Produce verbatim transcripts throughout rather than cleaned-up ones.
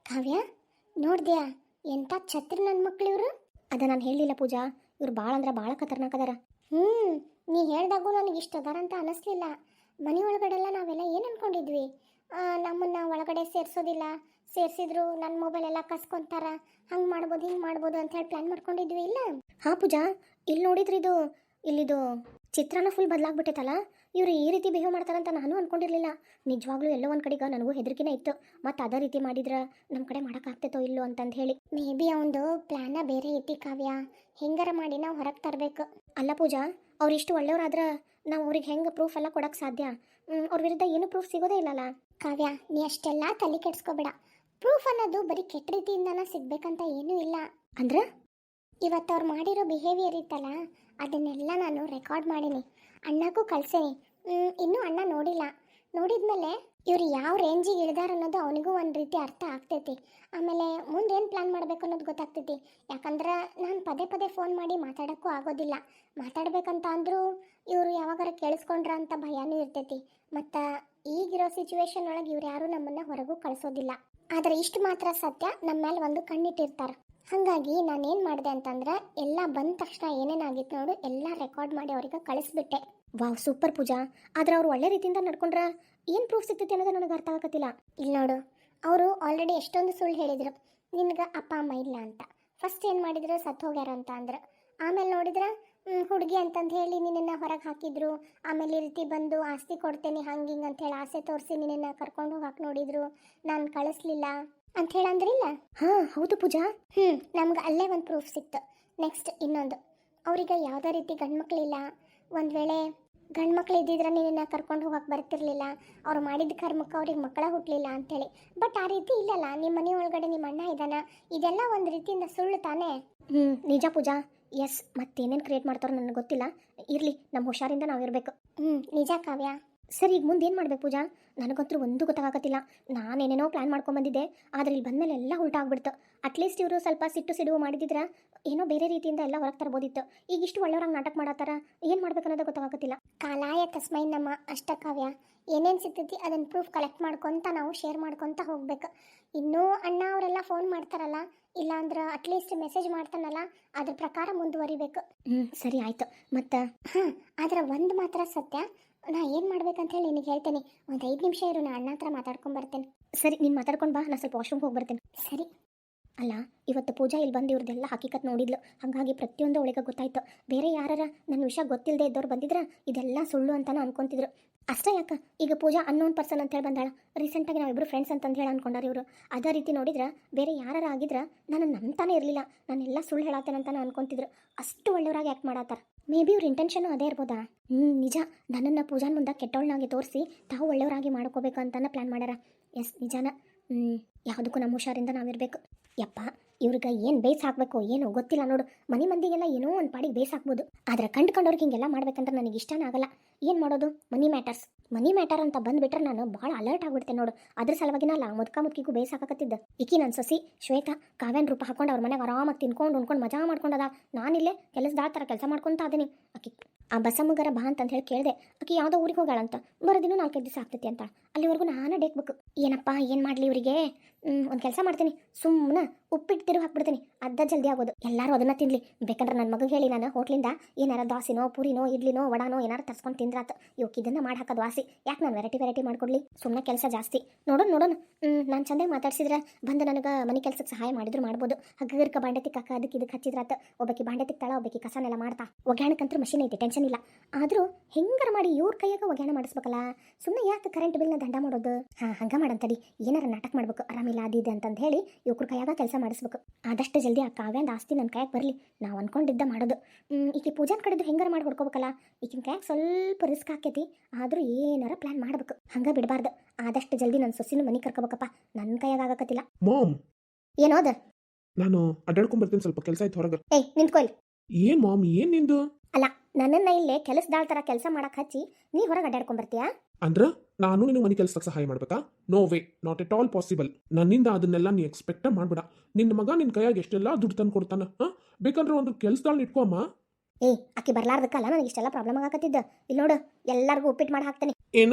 ಕಾವ್ಯ ನೋಡ್ದ್ಯಾ ಎಂಥ ಛತ್ರಿ ನನ್ನ ಮಕ್ಳು ಇವರು. ಅದ ನಾನು ಹೇಳಲಿಲ್ಲ ಪೂಜಾ, ಇವ್ರು ಭಾಳ ಅಂದ್ರೆ ಭಾಳ ಖತರ್ನಾಕ್ ಅದಾರ. ಹ್ಞೂ ನೀ ಹೇಳ್ದಾಗೂ ನನಗೆ ಇಷ್ಟ ಅದಾರ ಅಂತ ಅನ್ನಿಸ್ಲಿಲ್ಲ. ಮನೆ ಒಳಗಡೆಲ್ಲ ನಾವೆಲ್ಲ ಏನು ಅನ್ಕೊಂಡಿದ್ವಿ, ನಮ್ಮನ್ನು ಒಳಗಡೆ ಸೇರಿಸೋದಿಲ್ಲ, ಸೇರಿಸಿದ್ರು ನನ್ನ ಮೊಬೈಲ್ ಎಲ್ಲ ಕಸ್ಕೊಂತಾರ, ಹಂಗೆ ಮಾಡ್ಬೋದು ಹಿಂಗೆ ಮಾಡ್ಬೋದು ಅಂತ ಹೇಳಿ ಪ್ಲ್ಯಾನ್ ಮಾಡ್ಕೊಂಡಿದ್ವಿ. ಇಲ್ಲ ಹಾಂ ಪೂಜಾ, ಇಲ್ಲಿ ನೋಡಿದ್ರಿ ಇದು ಇಲ್ಲಿದು ಚಿತ್ರನ ಫುಲ್ ಬದಲಾಗ್ಬಿಟ್ಟೈತಲ್ಲ. ಇವ್ರು ಈ ರೀತಿ ಬಿಹೇವ್ ಮಾಡ್ತಾರಂತ ನಾನು ಅನ್ಕೊಂಡಿರ್ಲಿಲ್ಲ. ನಿಜವಾಗ್ಲೂ ಎಲ್ಲೋ ಒಂದು ಕಡೆಗೆ ನನಗೂ ಹೆದರಿಕೆನೇ ಇತ್ತು. ಮತ್ತು ಅದೇ ರೀತಿ ಮಾಡಿದ್ರೆ ನಮ್ಮ ಕಡೆ ಮಾಡೋಕ್ಕಾಗ್ತೈತೋ ಇಲ್ಲೋ ಅಂತಂದು ಹೇಳಿ. ಮೇ ಬಿ ಅವನದು ಪ್ಲ್ಯಾನ ಬೇರೆ ಐತಿ ಕಾವ್ಯ, ಹೆಂಗಾರ ಮಾಡಿ ನಾವು ಹೊರಗೆ ತರಬೇಕು. ಅಲ್ಲ ಪೂಜಾ, ಅವ್ರು ಇಷ್ಟು ಒಳ್ಳೆಯವ್ರಾದ್ರೆ ನಾವು ಅವ್ರಿಗೆ ಹೆಂಗೆ ಪ್ರೂಫ್ ಎಲ್ಲ ಕೊಡೋಕ್ಕೆ ಸಾಧ್ಯ? ಅವ್ರ ವಿರುದ್ಧ ಏನು ಪ್ರೂಫ್ ಸಿಗೋದೇ ಇಲ್ಲಲ್ಲ. ಕಾವ್ಯ ನೀ ಅಷ್ಟೆಲ್ಲ ತಲೆ ಕೆಡಿಸ್ಕೋಬೇಡ. ಪ್ರೂಫ್ ಅನ್ನೋದು ಬರೀ ಕೆಟ್ಟ ರೀತಿಯಿಂದನೇ ಸಿಗ್ಬೇಕಂತ ಏನೂ ಇಲ್ಲ. ಅಂದ್ರೆ ಇವತ್ತು ಅವ್ರು ಮಾಡಿರೋ ಬಿಹೇವಿಯರ್ ಇತ್ತಲ್ಲ, ಅದನ್ನೆಲ್ಲ ನಾನು ರೆಕಾರ್ಡ್ ಮಾಡೀನಿ, ಅಣ್ಣಗೂ ಕಳ್ಸೀನಿ. ಇನ್ನೂ ಅಣ್ಣ ನೋಡಿಲ್ಲ. ನೋಡಿದ್ಮೇಲೆ ಇವ್ರು ಯಾವ ರೇಂಜಿಗೆ ಇಳಿದಾರ ಅನ್ನೋದು ಅವನಿಗೂ ಒಂದು ರೀತಿ ಅರ್ಥ ಆಗ್ತೈತಿ. ಆಮೇಲೆ ಮುಂದೆ ಏನು ಪ್ಲ್ಯಾನ್ ಮಾಡಬೇಕು ಅನ್ನೋದು ಗೊತ್ತಾಗ್ತೈತಿ. ಯಾಕಂದ್ರೆ ನಾನು ಪದೇ ಪದೇ ಫೋನ್ ಮಾಡಿ ಮಾತಾಡೋಕ್ಕೂ ಆಗೋದಿಲ್ಲ. ಮಾತಾಡ್ಬೇಕಂತ ಅಂದರೂ ಇವರು ಯಾವಾಗಾರ ಕೇಳಿಸ್ಕೊಂಡ್ರ ಅಂತ ಭಯನೂ ಇರ್ತೈತಿ. ಮತ್ತು ಈಗಿರೋ ಸಿಚುವೇಶನ್ ಒಳಗೆ ಇವ್ರು ಯಾರೂ ನಮ್ಮನ್ನು ಹೊರಗೂ ಕಳಿಸೋದಿಲ್ಲ. ಆದರೆ ಇಷ್ಟು ಮಾತ್ರ ಸತ್ಯ, ನಮ್ಮ ಮೇಲೆ ಒಂದು ಕಣ್ಣಿಟ್ಟಿರ್ತಾರೆ. ಹಾಗಾಗಿ ನಾನೇನು ಮಾಡಿದೆ ಅಂತಂದ್ರೆ ಎಲ್ಲ ಬಂದ ತಕ್ಷಣ ಏನೇನಾಗಿತ್ತು ನೋಡು ಎಲ್ಲ ರೆಕಾರ್ಡ್ ಮಾಡಿ ಅವ್ರಿಗೆ ಕಳಿಸ್ಬಿಟ್ಟೆ. ವಾವ್, ಸೂಪರ್ ಪೂಜಾ. ಆದ್ರೆ ಅವ್ರು ಒಳ್ಳೆ ರೀತಿಯಿಂದ ನಡ್ಕೊಂಡ್ರೆ ಏನು ಪ್ರೂಫ್ ಸಿಗ್ತೈತಿ ಅನ್ನೋದು ನನಗೆ ಅರ್ಥ ಆಗತ್ತಿಲ್ಲ. ಇಲ್ಲಿ ನೋಡು, ಅವರು ಆಲ್ರೆಡಿ ಎಷ್ಟೊಂದು ಸುಳ್ಳು ಹೇಳಿದರು, ನಿನ್ಗೆ ಅಪ್ಪ ಅಮ್ಮ ಇಲ್ಲ ಅಂತ. ಫಸ್ಟ್ ಏನು ಮಾಡಿದ್ರು, ಸತ್ತು ಹೋಗ್ಯಾರ ಅಂತ ಅಂದ್ರೆ. ಆಮೇಲೆ ನೋಡಿದ್ರೆ ಹುಡುಗಿ ಅಂತಂದು ಹೇಳಿ ನಿನ್ನನ್ನು ಹೊರಗೆ ಹಾಕಿದ್ರು. ಆಮೇಲೆ ಈ ರೀತಿ ಬಂದು ಆಸ್ತಿ ಕೊಡ್ತೇನೆ ಹಂಗೆ ಹಿಂಗೆ ಅಂಥೇಳಿ ಆಸೆ ತೋರಿಸಿ ನಿನ್ನನ್ನು ಕರ್ಕೊಂಡು ಹೋಗಕ್ಕೆ ನೋಡಿದ್ರು. ನಾನು ಕಳಿಸ್ಲಿಲ್ಲ ಅಂತ ಹೇಳಿ ಅಂದ್ರಿಲ್ಲ. ಹಾಂ ಹೌದು ಪೂಜಾ. ಹ್ಞೂ ನಮ್ಗೆ ಅಲ್ಲೇ ಒಂದು ಪ್ರೂಫ್ ಸಿಕ್ತು. ನೆಕ್ಸ್ಟ್ ಇನ್ನೊಂದು, ಅವ್ರಿಗೆ ಯಾವುದೇ ರೀತಿ ಗಂಡ್ಮಕ್ಳಿಲ್ಲ. ಒಂದು ವೇಳೆ ಗಂಡ್ಮಕ್ಳು ಇದ್ದಿದ್ರೆ ನಿನ್ನ ಕರ್ಕೊಂಡು ಹೋಗಕ್ಕೆ ಬರ್ತಿರ್ಲಿಲ್ಲ. ಅವ್ರು ಮಾಡಿದ ಕರ್ಮಕ್ಕೆ ಅವ್ರಿಗೆ ಮಕ್ಕಳ ಹುಟ್ಟಲಿಲ್ಲ ಅಂಥೇಳಿ. ಬಟ್ ಆ ರೀತಿ ಇಲ್ಲಲ್ಲ, ನಿಮ್ಮ ಮನೆ ಒಳಗಡೆ ನಿಮ್ಮ ಅಣ್ಣ ಇದ್ದಾನ. ಇದೆಲ್ಲ ಒಂದು ರೀತಿಯಿಂದ ಸುಳ್ಳು ತಾನೇ? ಹ್ಞೂ ನಿಜ ಪೂಜಾ. ಎಸ್, ಮತ್ತೇನೇನು ಕ್ರಿಯೇಟ್ ಮಾಡ್ತಾರೋ ನನಗೆ ಗೊತ್ತಿಲ್ಲ. ಇರಲಿ, ನಮ್ಮ ಹುಷಾರಿಂದ ನಾವಿರಬೇಕು. ಹ್ಞೂ ನಿಜ ಕಾವ್ಯ. ಸರಿ, ಈಗ ಮುಂದೆ ಏನು ಮಾಡ್ಬೇಕು ಪೂಜಾ? ನನಗಂತೂ ಒಂದು ಗೊತ್ತಾಗತ್ತಿಲ್ಲ. ನಾನೇನೇನೋ ಪ್ಲ್ಯಾನ್ ಮಾಡ್ಕೊಂಬಂದಿದ್ದೆ, ಆದರೆ ಇಲ್ಲಿ ಬಂದಮೇಲೆ ಎಲ್ಲ ಉಲ್ಟಾ ಆಗ್ಬಿಡ್ತು. ಅಟ್ಲೀಸ್ಟ್ ಇವರು ಸ್ವಲ್ಪ ಸಿಟ್ಟು ಸಿಡುವು ಮಾಡಿದಿದ್ರೆ ಏನೋ ಬೇರೆ ರೀತಿಯಿಂದ ಎಲ್ಲ ಹೊರಗೆ ತರ್ಬೋದಿತ್ತು. ಈಗ ಇಷ್ಟು ಒಳ್ಳೆಯವ್ರಾಗ ನಾಟಕ ಮಾಡತ್ತಾರ, ಏನು ಮಾಡ್ಬೇಕು ಅನ್ನೋದು ಗೊತ್ತಾಗತ್ತಿಲ್ಲ. ಕಾಲಾಯ ತಸ್ಮೈ ನಮ್ಮ ಅಷ್ಟ ಕಾವ್ಯ. ಏನೇನು ಸಿಗ್ತೈತಿ ಅದನ್ನು ಪ್ರೂಫ್ ಕಲೆಕ್ಟ್ ಮಾಡ್ಕೊತ ನಾವು ಶೇರ್ ಮಾಡ್ಕೊತ ಹೋಗ್ಬೇಕು. ಇನ್ನೂ ಅಣ್ಣ ಅವರೆಲ್ಲ ಫೋನ್ ಮಾಡ್ತಾರಲ್ಲ, ಇಲ್ಲಾಂದ್ರೆ ಅಟ್ಲೀಸ್ಟ್ ಮೆಸೇಜ್ ಮಾಡ್ತಾನಲ್ಲ, ಅದ್ರ ಪ್ರಕಾರ ಮುಂದುವರಿಬೇಕು. ಹ್ಞೂ ಸರಿ ಆಯಿತು. ಮತ್ತು ಹಾಂ, ಆದರೆ ಒಂದು ಮಾತ್ರ ಸತ್ಯ, ನಾ ಏನು ಮಾಡ್ಬೇಕಂತ ಹೇಳಿ ನಿನಗೆ ಹೇಳ್ತೇನೆ. ಒಂದು ಐದು ನಿಮಿಷ ಇರು, ನಾ ಅಣ್ಣ ಹತ್ರ ಮಾತಾಡ್ಕೊಂಬರ್ತೇನೆ. ಸರಿ, ನೀನು ಮಾತಾಡ್ಕೊಂಡು ಬಾ, ನಾನು ಸ್ವಲ್ಪ ವಾಶ್ರೂಮ್ಗೆ ಹೋಗಿ ಬರ್ತೇನೆ. ಸರಿ. ಅಲ್ಲ, ಇವತ್ತು ಪೂಜಾ ಇಲ್ಲಿ ಬಂದು ಇವ್ರದ್ದೆಲ್ಲ ಹಕೀಕತ್ ನೋಡಿದ್ಲು. ಹಾಗಾಗಿ ಪ್ರತಿಯೊಂದು ಅವಳಿಗೆ ಗೊತ್ತಾಯ್ತು. ಬೇರೆ ಯಾರ ನನ್ನ ವಿಷಯ ಗೊತ್ತಿಲ್ಲದೆ ಇದ್ದವ್ರು ಬಂದಿದ್ರೆ ಇದೆಲ್ಲ ಸುಳ್ಳು ಅಂತಾನು ಅನ್ಕೊಂತಿದ್ರು. ಅಷ್ಟೇ ಯಾಕೆ, ಈಗ ಪೂಜಾ ಅನ್ನೋನ್ ಪರ್ಸನ್ ಅಂತ ಹೇಳಿ ಬಂದಾಳ. ರೀಸೆಂಟಾಗಿ ನಾವಿಬ್ಬರು ಫ್ರೆಂಡ್ಸ್ ಅಂತಂದು ಹೇಳಿ ಅನ್ಕೊಂಡಾರ ಇವರು. ಅದೇ ರೀತಿ ನೋಡಿದ್ರೆ ಬೇರೆ ಯಾರು ಆಗಿದ್ರೆ ನಾನು ನಂಬ್ತಾನೆ ಇರಲಿಲ್ಲ. ನಾನೆಲ್ಲ ಸುಳ್ಳು ಹೇಳತ್ತೇನಂತಾನು ಅನ್ಕೊಂತಿದ್ರು. ಅಷ್ಟು ಒಳ್ಳೆಯವರಾಗಿ ಆ್ಯಕ್ಟ್ ಮಾಡತ್ತಾರ. ಮೇ ಬಿ ಇವ್ರ ಇಂಟೆನ್ಷನು ಅದೇ ಇರ್ಬೋದಾ? ಹ್ಞೂ ನಿಜ, ನನ್ನನ್ನು ಪೂಜಾನ್ ಮುಂದೆ ಕೆಟ್ಟವಳನ್ನಾಗಿ ತೋರಿಸಿ ತಾವು ಒಳ್ಳೆಯವರಾಗಿ ಮಾಡ್ಕೋಬೇಕು ಅಂತಾನೆ ಪ್ಲ್ಯಾನ್ ಮಾಡ್ಯಾರ. ಎಸ್ ನಿಜಾನ. ಹ್ಞೂ ಯಾವುದಕ್ಕೂ ನಮ್ಮ ಹುಷಾರಿಂದ ನಾವಿರಬೇಕು. ಯಪ್ಪ, ಇವ್ರಿಗೆ ಏನು ಬೇಸ್ ಹಾಕಬೇಕು ಏನೋ ಗೊತ್ತಿಲ್ಲ ನೋಡು. ಮನೆ ಮಂದಿಗೆಲ್ಲ ಏನೋ ಒಂದು ಪಾಡಿಗೆ ಬೇಸ್ ಹಾಕ್ಬೋದು, ಆದರೆ ಕಂಡು ಕಂಡವ್ರಿಗೆ ಹಿಂಗೆಲ್ಲ ಮಾಡ್ಬೇಕಂದ್ರೆ ನನಗೆ ಇಷ್ಟನೇ ಆಗಲ್ಲ. ಏನು ಮಾಡೋದು? ಮನಿ ಮ್ಯಾಟರ್ಸ್ ಮನಿ ಮ್ಯಾಟರ್ ಅಂತ ಬಂದುಬಿಟ್ರೆ ನಾನು ಭಾಳ ಅಲರ್ಟ್ ಆಗ್ಬಿಡ್ತೇನೆ ನೋಡು. ಅದ್ರ ಸಲುವಾಗಿನಲ್ಲ ಮುದ್ಕ ಮುದ್ಕಿಗೂ ಬೇಸ್ ಹಾಕಕತ್ತಿದ್ದ. ಈಕಿ ನನ್ನ ಸೊಸಿ ಶ್ವೇತಾ ಕಾವ್ಯನ ರೂಪ ಹಾಕೊಂಡು ಅವ್ರ ಮನೆಗೆ ಆರಾಮಾಗಿ ತಿನ್ಕೊಂಡು ಉಣ್ಕೊಂಡು ಮಜಾ ಮಾಡ್ಕೊಂಡದ. ನಾನಿಲ್ಲೇ ಕೆಲಸದಾಳ ಥರ ಕೆಲಸ ಮಾಡ್ಕೊತ ಅದೀನಿ. ಆಕಿ ಆ ಬಸಮ್ಮಗರ ಬಾ ಅಂತಂದು ಹೇಳಿ ಕೇಳಿದೆ. ಆಕಿ ಯಾವುದೋ ಊರಿಗೆ ಹೋಗಾಳಂತ, ಬರೋದಿನೂ ನಾಲ್ಕೈದು ದಿವಸ ಆಗ್ತೈತಿ ಅಂತ. ಅಲ್ಲಿವರೆಗೂ ನಾನು ಡೇಕ್ಬೇಕು. ಏನಪ್ಪ ಏನು ಮಾಡಲಿ ಇವರಿಗೆ? ಒಂದು ಕೆಲಸ ಮಾಡ್ತೀನಿ, ಸುಮ್ಮನೆ ಉಪ್ಪಿಟ್ಟು ತಿರುಗಿ ಹಾಕ್ಬಿಡ್ತೀನಿ, ಅರ್ಧ ಜಲ್ದಿ ಆಗೋದು. ಎಲ್ಲರೂ ಅದನ್ನು ತಿನ್ನಲಿ. ಬೇಕಂದ್ರೆ ನನ್ನ ಮಗ ಹೇಳಿ ನಾನು ಹೋಟ್ಲಿಂದ ಏನಾರ ದೋಸೆನೋ ಪೂರಿನೋ ಇಡ್ಲಿನೋ ವಡಾನೋ ಏನಾರು ತರ್ಸ್ಕೊಂಡು ತಿಂದ್ರಾತು. ಇವಕ್ಕೆ ಇದನ್ನು ಮಾಡಿ ಹಾಕೋದು ವಾಸಿ. ಯಾಕೆ ನಾನು ವೆರೈಟಿ ವೆರೈಟಿ ಮಾಡ್ಕೊಡ್ಲಿ? ಸುಮ್ಮನೆ ಕೆಲಸ ಜಾಸ್ತಿ. ನೋಡೋಣ ನೋಡೋಣ. ನಾನು ಚಂದಾಗಿ ಮಾತಾಡ್ಸಿದ್ರೆ ಬಂದು ನನಗೆ ಮನೆ ಕೆಲಸಕ್ಕೆ ಸಹಾಯ ಮಾಡಿದ್ರು ಮಾಡ್ಬೋದು. ಹಗ್ಗರ್ಕ ಬಾಂಡೆ ತಿಕ್ಕಾಕ ಅದಕ್ಕೆ ಇದಕ್ಕೆ ಹಚ್ಚಿದ್ರಾತ. ಒಬ್ಬಾಕಿ ಬಾಂಡೆ ತಿಕ್ತಾಳ, ಒಬ್ಬಾಕಿ ಕಸನೆಲ್ಲ ಮಾಡ್ತಾ. ಒಗ್ಯಾಣಕ್ಕಂತೂ ಮಷೀನ್ ಐತಿ, ಟೆನ್ಷನ್ ಇಲ್ಲ. ಆದರೂ ಹೆಂಗಾರ ಮಾಡಿ ಇವ್ರ ಕೈಯಾಗ ಒಗ್ಯಾಣ ಮಾಡಿಸ್ಬೇಕಲ್ಲ. ಸುಮ್ಮನೆ ಯಾಕೆ ಕರೆಂಟ್ ಬಿಲ್ನ ದಂಡ ಮಾಡೋದು? ಹಾಂ, ಹಂಗೆ ಮಾಡಂತಡಿ. ಏನಾರ ನಾಟಕ ಮಾಡ್ಬೇಕು, ಆರಾಮಿಲ್ಲ ಅದಿದೆ ಅಂತಂದು ಹೇಳಿ ಇವ್ರ ಕೈಯಾಗ ಕೆಲಸ ಮಾಡಿಸ್ಬೇಕು. ಆದಷ್ಟು ಜಲ್ದಿ ಆ ಕಾವ್ಯಂದ ಆಸ್ತಿ ನನ್ನ ಕೈಯಾಗ ಬರಲಿ. ನಾವು ಅನ್ಕೊಂಡಿದ್ದ ಮಾಡೋದು. ಈಕೆ ಪೂಜಾನ್ ಕಡೆದು ಹೆಂಗಾರ ಮಾಡಿ ಹೊಡ್ಕೋಬೇಕಲ್ಲ. ಈಗಿನ ಕೈಯಾಗ ಸ್ವಲ್ಪ ರಿಸ್ಕ್ ಆಕೈತಿ, ಆದರೂ ಏನಾರ ಪ್ಲ್ಯಾನ್ ಮಾಡಬೇಕು. ಹಂಗೆ ಬಿಡಬಾರ್ದು. ಆದಷ್ಟು ಜಲ್ದಿ ನನ್ನ ಸೊಸಿನ ಮನೆ ಕರ್ಕೋಬೇಕಪ್ಪ. ನನ್ನ ಕೈಯಾಗ ಆಗಕತ್ತಿಲ್ಲ. ಮಾಮ್, ಏನೋದ? ನಾನು ಅಡ್ಡಾಡ್ಕೊಂಡ್ ಸ್ವಲ್ಪ ಕೆಲಸ ಆಯ್ತು ಹೊರಗೆ. ಏಯ್ ನಿಂತ್ಕೊಯ್ಲಿ. ಏನ್ ಮಾಮ್, ಏನ್ ನಿಂದು? ಅಲ್ಲ, ನನ್ನನ್ನ ಇಲ್ಲೇ ಕೆಲಸದಾಳ ಥರ ಕೆಲಸ ಮಾಡಕ್ ಹಚ್ಚಿ ನೀ ಹೊರಗೆ ಅಡ್ಡಾಡ್ಕೊಂಡ್ ಬರ್ತೀಯಾ? ಅಂದ್ರ ನಾನು ನಿನ್ನ ಮನೆ ಕೆಲಸಕ್ಕೆ ಸಹಾಯ ಮಾಡ್ಬೇಕಾ? No way, not at all possible. ನನ್ನಿಂದ ಅದನ್ನೆಲ್ಲ ನೀ ಎಕ್ಸ್ಪೆಕ್ಟ್ ಮಾಡ್ಬೇಡ. ನಿನ್ನ ಮಗ ನಿನ್ನ ಕೈಯಾಗ ಎಷ್ಟೆಲ್ಲ ದುಡ್ಡು ತಂದು ಕೊಡ್ತಾನ. ಹಾ, ಬೇಕಂದ್ರೆ ಒಂದು ಕೆಲಸದಾಳ ಇಟ್ಕೊಮ್ಮ. ಏಯ್, ಆಕಿ ಬರ್ಲಾರ್ದಕ್ಕಲ್ಲ ನನಗೆ ಇಷ್ಟೆಲ್ಲ ಪ್ರಾಬ್ಲಮ್ ಆಗಕತ್ತಿದ್ದ. ಇಲ್ಲಿ ನೋಡು, ಎಲ್ಲರಿಗೂ ಉಪ್ಪಿಟ್ಟು ಮಾಡಿ ಹಾಕ್ತೇನೆ. ಏನ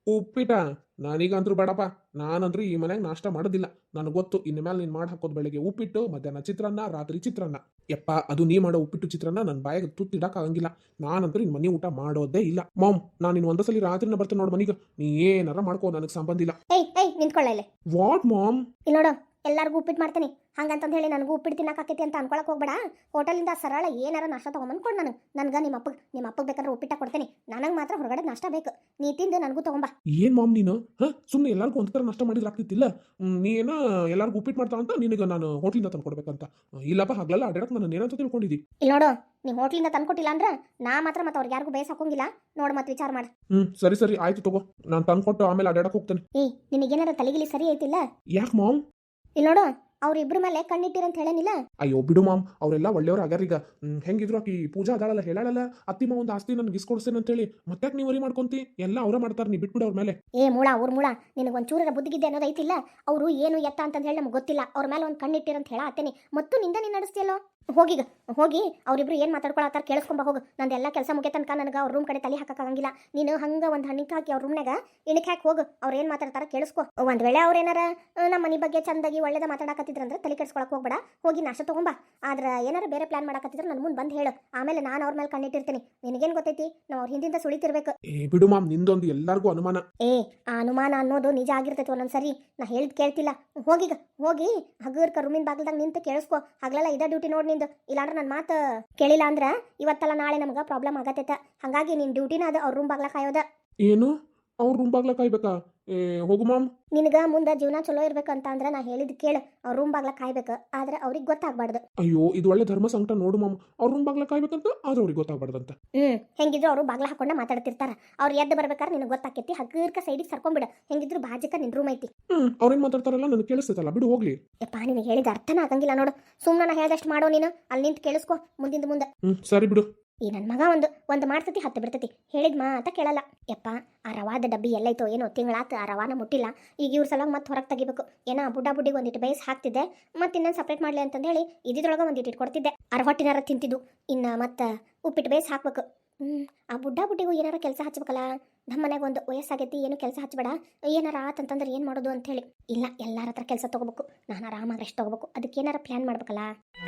ಉಪ್ಪಿಟ ನನಗಂತೂ ಬೇಡಪ್ಪ. ನಾನಂತೂ ಈ ಮನ್ಯಾಗ ನಾಷ್ಟ ಮಾಡೋದಿಲ್ಲ. ನನಗೆ ಗೊತ್ತು ಇನ್ನು ಮೇಲೆ ನೀನು ಮಾಡಿ ಹಾಕೋದು ಬೆಳಗ್ಗೆ ಉಪ್ಪಿಟ್ಟು, ಮಧ್ಯಾಹ್ನ ಚಿತ್ರಾನ್ನ, ರಾತ್ರಿ ಚಿತ್ರಾನ್ನ. ಯಪ್ಪ ಅದು ನೀ ಮಾಡೋ ಉಪ್ಪಿಟ್ಟು ಚಿತ್ರಾನ್ನ ನನ್ನ ಬಾಯಿಗೆ ತುತ್ತಿಡಕ್ಕಾಗಂಗಿಲ್ಲ. ನಾನಂತೂ ನಿನ್ನ ಮನೆ ಊಟ ಮಾಡೋದೇ ಇಲ್ಲ. ಮಾಮ್, ನಾನು ಇನ್ನು ಒಂದೇ ಸಲ ರಾತ್ರಿನ ಬರ್ತೇನೆ ನೋಡು ಮನೆಗೆ. ನೀ ಏನಾರ ಮಾಡ್ಕೋ, ನನಗೆ ಸಂಬಂಧ ಇಲ್ಲ. ಏಯ್ ಏಯ್ ನಿಂತ್ಕೊಳ್ಳ ಇಲ್ಲಿ. What ma'am? ಇಲ್ಲಿ ನೋಡು, ಎಲ್ಲರಿಗೂ ಉಪ್ಪಿಟ್ಟು ಮಾಡ್ತೀನಿ ಹಂಗಂತಂದು ಹೇಳಿ ನನಗೂ ಉಪ್ಪಿಟ್ಟು ತಿನ್ನಕ್ಕಾಕೈತಿ ಅಂತ ಅನ್ಕೊಳಕ್ ಹೋಗ್ಬೇಡ. ಹೋಟೆಲಿಂದ ಸರಳ ಏನಾರ ನಾಷ್ಟ ತೊಗೊಂಬಂದು ಕೊಡು ನನಗೆ. ನನ್ಗೆ ನಿಮ್ಮ ಅಪ್ಪಗೆ ನಿಮ್ಮ ಅಪ್ಪಗೆ ಬೇಕಾದ್ರೆ ಉಪ್ಪಿಟ್ಟ ಕೊಡ್ತೀನಿ. ನನಗೆ ಮಾತ್ರ ಹೊರಗಡೆ ನಾಷ್ಟ ಬೇಕು. ನೀ ತಿಂದು ನನಗೂ ತೊಗೊಂಬ. ಏನ್ ಮಾಮ್ ನೀನು? ಹಾ, ಸುಮ್ಮನೆ ಎಲ್ಲರಿಗೂ ಒಂದ್ ಥರ ನಾಷ್ಟ ಮಾಡಿದ್ರೆ ಆಗ್ತಿತ್ತಿಲ್ಲ. ಹ್ಮ್, ನೀ ಏನೋ ಎಲ್ಲರಿಗೂ ಉಪ್ಪಿಟ್ಟು ಮಾಡ್ತಾ ಅಂತ ನಿನಗೆ ನಾನು ಹೋಟ್ಲಿಂದ ತಂದು ಕೊಡ್ಬೇಕಂತ. ಇಲ್ಲಪ್ಪ, ಹಗ್ಲೆಲ್ಲ ಅಡ್ಡಾಡಕ್ ನಾನು ಏನಂತ ತಿಳ್ಕೊಂಡಿದ್ದಿ. ಇಲ್ಲಿ ನೋಡು, ನೀವು ಹೋಟ್ಲಿಂದ ತಂದ್ಕೊಟ್ಟಿಲ್ಲ ಅಂದ್ರೆ ನಾ ಮಾತ್ರ ಮತ್ತೆ ಅವ್ರಿಗೆ ಯಾರಿಗೂ ಬೇಸ್ ಹಾಕೋಂಗಿಲ್ಲ. ನೋಡು ಮತ್ತೆ ವಿಚಾರ ಮಾಡು. ಹ್ಮ್, ಸರಿ ಸರಿ ಆಯ್ತು ತಗೋ. ನಾನು ತಂದ್ಕೊಟ್ಟು ಆಮೇಲೆ ಅಡ್ಡಾಡಕ್ ಹೋಗ್ತೇನೆ. ಏಯ್ ನಿನಗೇನಾರ ತಲೆಗಿಲಿ ಸರಿ ಐತಿಲ್ಲ? ಯಾಕೆ ಮಾಮ್? ಇಲ್ಲಿ ನೋಡು, ಅವ್ರಿಬ್ರ ಮೇಲೆ ಕಣ್ಣಿಟ್ಟಿರಂತ ಹೇಳೇನಿಲ್ಲ. ಅಯ್ಯೋ ಬಿಡು ಮಾಮ್, ಅವರೆಲ್ಲ ಒಳ್ಳೆಯವ್ರು ಆಗ್ಯಾರೀಗ. ಹ್ಮ್, ಹೆಂಗಿದ್ರು ಆಕಿ ಪೂಜಾ ಅದಾಳಲ್ಲ, ಹೇಳಲ್ಲ ಅತ್ತಿ ಮಾವ ಒಂದು ಆಸ್ತಿ ನನ್ಗೆ ಇಸ್ಕೊಡ್ಸ್ತೇನೆ ಅಂತ ಹೇಳಿ. ಮತ್ತೆ ನೀವು ವರಿ ಮಾಡ್ಕೊಂತಿ? ಎಲ್ಲ ಅವ್ರ ಮಾಡ್ತಾರೆ, ನೀ ಬಿಟ್ಬಿಡು ಅವ್ರ ಮೇಲೆ. ಏ ಮೂಳ, ಅವ್ರ ಮೂಳ, ನಿನಗೆ ಒಂದು ಚೂರರ ಬುದ್ಧಿಗಿದ್ದೆ ಅನ್ನೋದು ಐತಿಲ್ಲ. ಅವರು ಏನು ಎತ್ತ ಅಂತ ಹೇಳಿ ನಮ್ಗೆ ಗೊತ್ತಿಲ್ಲ. ಅವ್ರ ಮೇಲೆ ಒಂದು ಕಣ್ಣಿಟ್ಟಿರಂತ ಹೇಳ ಆತೇನೆ. ಮತ್ತು ನಿಂದ ನೀನು ನಡೆಸ್ತಿಯಲ್ಲೋ. ಹೋಗೀಗ ಹೋಗಿ ಅವ್ರಿಬ್ರು ಏನು ಮಾತಾಡ್ಕೊಳತ್ತಾರ ಕೇಳಿಸ್ಕೊಂಬ ಹೋಗು. ನಂದೆಲ್ಲ ಕೆಲಸ ಮುಗಿಯ ತನಕ ನನಗೆ ಅವ್ರ ರೂಮ್ ಕಡೆ ತಲೆ ಹಾಕಕ್ಕಾಗಂಗಿಲ್ಲ. ನೀನು ಹಂಗೆ ಒಂದು ಹಣ್ಣಿಗೆ ಹಾಕಿ ಅವ್ರ ರೂಮ್ನಾಗ ಇಣಕ್ಕೆ ಹಾಕಿ ಹೋಗು. ಅವ್ರು ಏನು ಮಾತಾಡ್ತಾರ ಕೇಳಿಸ್ಕೊ. ಒಂದು ವೇಳೆ ಅವ್ರು ಏನಾರ ನಮ್ಮ ಮನೆ ಬಗ್ಗೆ ಚಂದಾಗಿ ಒಳ್ಳೇದ ಮಾತಾಡಕತ್ತಿದ್ರಂದ್ರೆ ತಲೆ ಕೆಡ್ಸ್ಕೊಳಕ್ಕೆ ಹೋಗ್ಬೇಡ. ಹೋಗಿ ನಾಷ್ಟ ತೊಗೊಂಬ. ಆದ್ರೆ ಏನಾರ ಬೇರೆ ಪ್ಲಾನ್ ಮಾಡಕತ್ತಿದ್ರೆ ನನ್ನ ಮುಂದೆ ಬಂದು ಹೇಳು. ಆಮೇಲೆ ನಾನು ಅವ್ರ ಮೇಲೆ ಕಣ್ಣಿಟ್ಟಿರ್ತೀನಿ. ನಿನಗೇನು ಗೊತ್ತೈತಿ, ನಾವು ಅವ್ರ ಹಿಂದಿಂದ ಸುಳಿತಿರ್ಬೇಕು. ಏ ಬಿಡು ಮಾಮ್, ನಿಂದೊಂದು ಎಲ್ಲರಿಗೂ ಅನುಮಾನ. ಏ ಆ ಅನುಮಾನ ಅನ್ನೋದು ನಿಜ ಆಗಿರ್ತೈತಿ ಒಂದೊಂದ್ಸರಿ. ನಾ ಹೇಳಿದ್ ಕೇಳ್ತಿಲ್ಲ. ಹೋಗೀಗ ಹೋಗಿ ಹಗರ್ಕ ರೂಮಿನ ಬಾಗಿಲ್ದಾಗ ನಿಂತು ಕೇಳಿಸ್ಕೊ. ಹಗಲೆಲ್ಲ ಇದೇ ಡ್ಯೂಟಿ ನೋಡಿ ನಿಂದು. ಇಲ್ಲಾಂದ್ರೆ ನನ್ನ ಮಾತು ಕೇಳಿಲ್ಲ ಅಂದ್ರೆ ಇವತ್ತಲ್ಲ ನಾಳೆ ನಮ್ಗೆ ಪ್ರಾಬ್ಲಮ್ ಆಗತ್ತೈತ. ಹಾಗಾಗಿ ನಿನ್ನ ಡ್ಯೂಟಿನ ಅದು ಅವ್ರ ರೂಮ್ ಬಾಗ್ಲ ಕಾಯೋದ. ಏನು? ಅವ್ರ ರೂಮ್ ಬಾಗ್ಲ ಕಾಯ್ಬೇಕಾ? ಏ ಹೋಗು ಮಾಮ್. ನಿನಗೆ ಮುಂದೆ ಜೀವನ ಚಲೋ ಇರ್ಬೇಕಂತ ಅಂದ್ರೆ ನಾ ಹೇಳಿದ್ ಕೇಳು. ಅವ್ರ ರೂಮ್ ಬಾಗ್ಲ ಕಾಯ್ಬೇಕು, ಆದ್ರೆ ಅವ್ರಿಗೆ ಗೊತ್ತಾಗ್ಬಾರ್ದು. ಅಯ್ಯೋ, ಇದು ಒಳ್ಳೆ ಧರ್ಮ ಸಂಕಟ ನೋಡು ಮಾಮ್. ಅವ್ರ ರೂಮ್ ಬಾಗ್ಲ ಕಾಯ್ಬೇಕಂತ, ಆದ್ರೆ ಅವ್ರಿಗೆ ಗೊತ್ತಾಗ್ಬಾರ್ದಂತ. ಹ್ಮ್ ಹೆಂಗಿದ್ರು ಅವರು ಬಾಗ್ಲ ಹಾಕೊಂಡ ಮಾತಾಡ್ತಿರ್ತಾರ. ಅವ್ರು ಎದ್ದು ಬರ್ಬೇಕಾದ್ರೆ ನಿನಗೆ ಗೊತ್ತಾಕೈತಿ. ಹಗ್ಗರ್ಕ ಸೈಡಿಗೆ ಸರ್ಕೊಂಡ್ಬಿಡ. ಹೆಂಗಿದ್ರು ಬಾಜಕ ನಿನ್ ರೂಮ್ ಐತಿ. ಹ್ಮ್, ಅವ್ರೇನ್ ಮಾತಾಡ್ತಾರಲ್ಲ ನನಗೆ ಕೇಳಿಸ್ತೈತಲ್ಲ, ಬಿಡು ಹೋಗ್ಲಿ. ಯಪ್ಪ ನಿನಗೆ ಹೇಳಿದ ಅರ್ಥನ ಆಗಂಗಿಲ್ಲ ನೋಡು. ಸುಮ್ಮನೆ ನಾ ಹೇಳ್ದಷ್ಟು ಮಾಡೋ ನೀನು. ಅಲ್ಲಿ ನಿಂತು ಕೇಳಿಸ್ಕೊ ಮುಂದಿಂದ ಮುಂದೆ. ಹ್ಮ್, ಸರಿ ಬಿಡು. ಈ ನನ್ನ ಮಗ ಒಂದು ಒಂದು ಮಾಡ್ತತಿ ಹತ್ತು ಬಿಡ್ತತಿ. ಹೇಳಿದ್ ಮಾತ ಕೇಳಲ್ಲ. ಯಪ್ಪ ಆ ರವಾದ ಡಬ್ಬಿ ಎಲ್ಲೈತೋ ಏನೋ ತಿಂಗಳಾತ ಆ ರವಾನ ಮುಟ್ಟಿಲ್ಲ. ಈಗ ಇವ್ರ ಸಲುವಾಗಿ ಮತ್ತೆ ಹೊರಗೆ ತೆಗಿಬೇಕು. ಏನೋ ಬುಡ್ಡ ಬುಡ್ಡಿಗೆ ಒಂದಿಟ್ಟು ಬೇಯಿಸಿ ಹಾಕ್ತಿದ್ದೆ. ಮತ್ತೆ ಇನ್ನೊಂದು ಸಪ್ರೇಟ್ ಮಾಡಲಿ ಅಂತಂದು ಹೇಳಿ ಇದ್ರೊಳಗೆ ಒಂದಿಟ್ಟು ಇಟ್ಕೊಡ್ತಿದ್ದೆ. ಅರವಟ್ಟಿನಾರ ತಿಂತಿದ್ದು. ಇನ್ನು ಮತ್ತೆ ಉಪ್ಪಿಟ್ಟು ಬೇಯಿಸಿ ಹಾಕ್ಬೇಕು. ಹ್ಞೂ ಆ ಬುಡ್ಡ ಬುಡ್ಡಿಗೂ ಏನಾರ ಕೆಲಸ ಹಚ್ಬೇಕಲ್ಲ. ನಮ್ಮ ಮನೆಗೆ ಒಂದು ವಯಸ್ಸಾಗೈತಿ, ಏನು ಕೆಲಸ ಹಚ್ಬೇಡ. ಏನಾರ ಆತಂತಂದ್ರೆ ಏನು ಮಾಡೋದು ಅಂತ ಹೇಳಿ. ಇಲ್ಲ, ಎಲ್ಲರ ಹತ್ರ ಕೆಲಸ ತೊಗೋಬೇಕು. ನಾನು ಆರಾಮಾಗಿ ರೆಸ್ಟ್ ತೊಗೋಬೇಕು. ಅದಕ್ಕೆ ಏನಾರ ಪ್ಲ್ಯಾನ್ ಮಾಡ್ಬೇಕಲ್ಲ.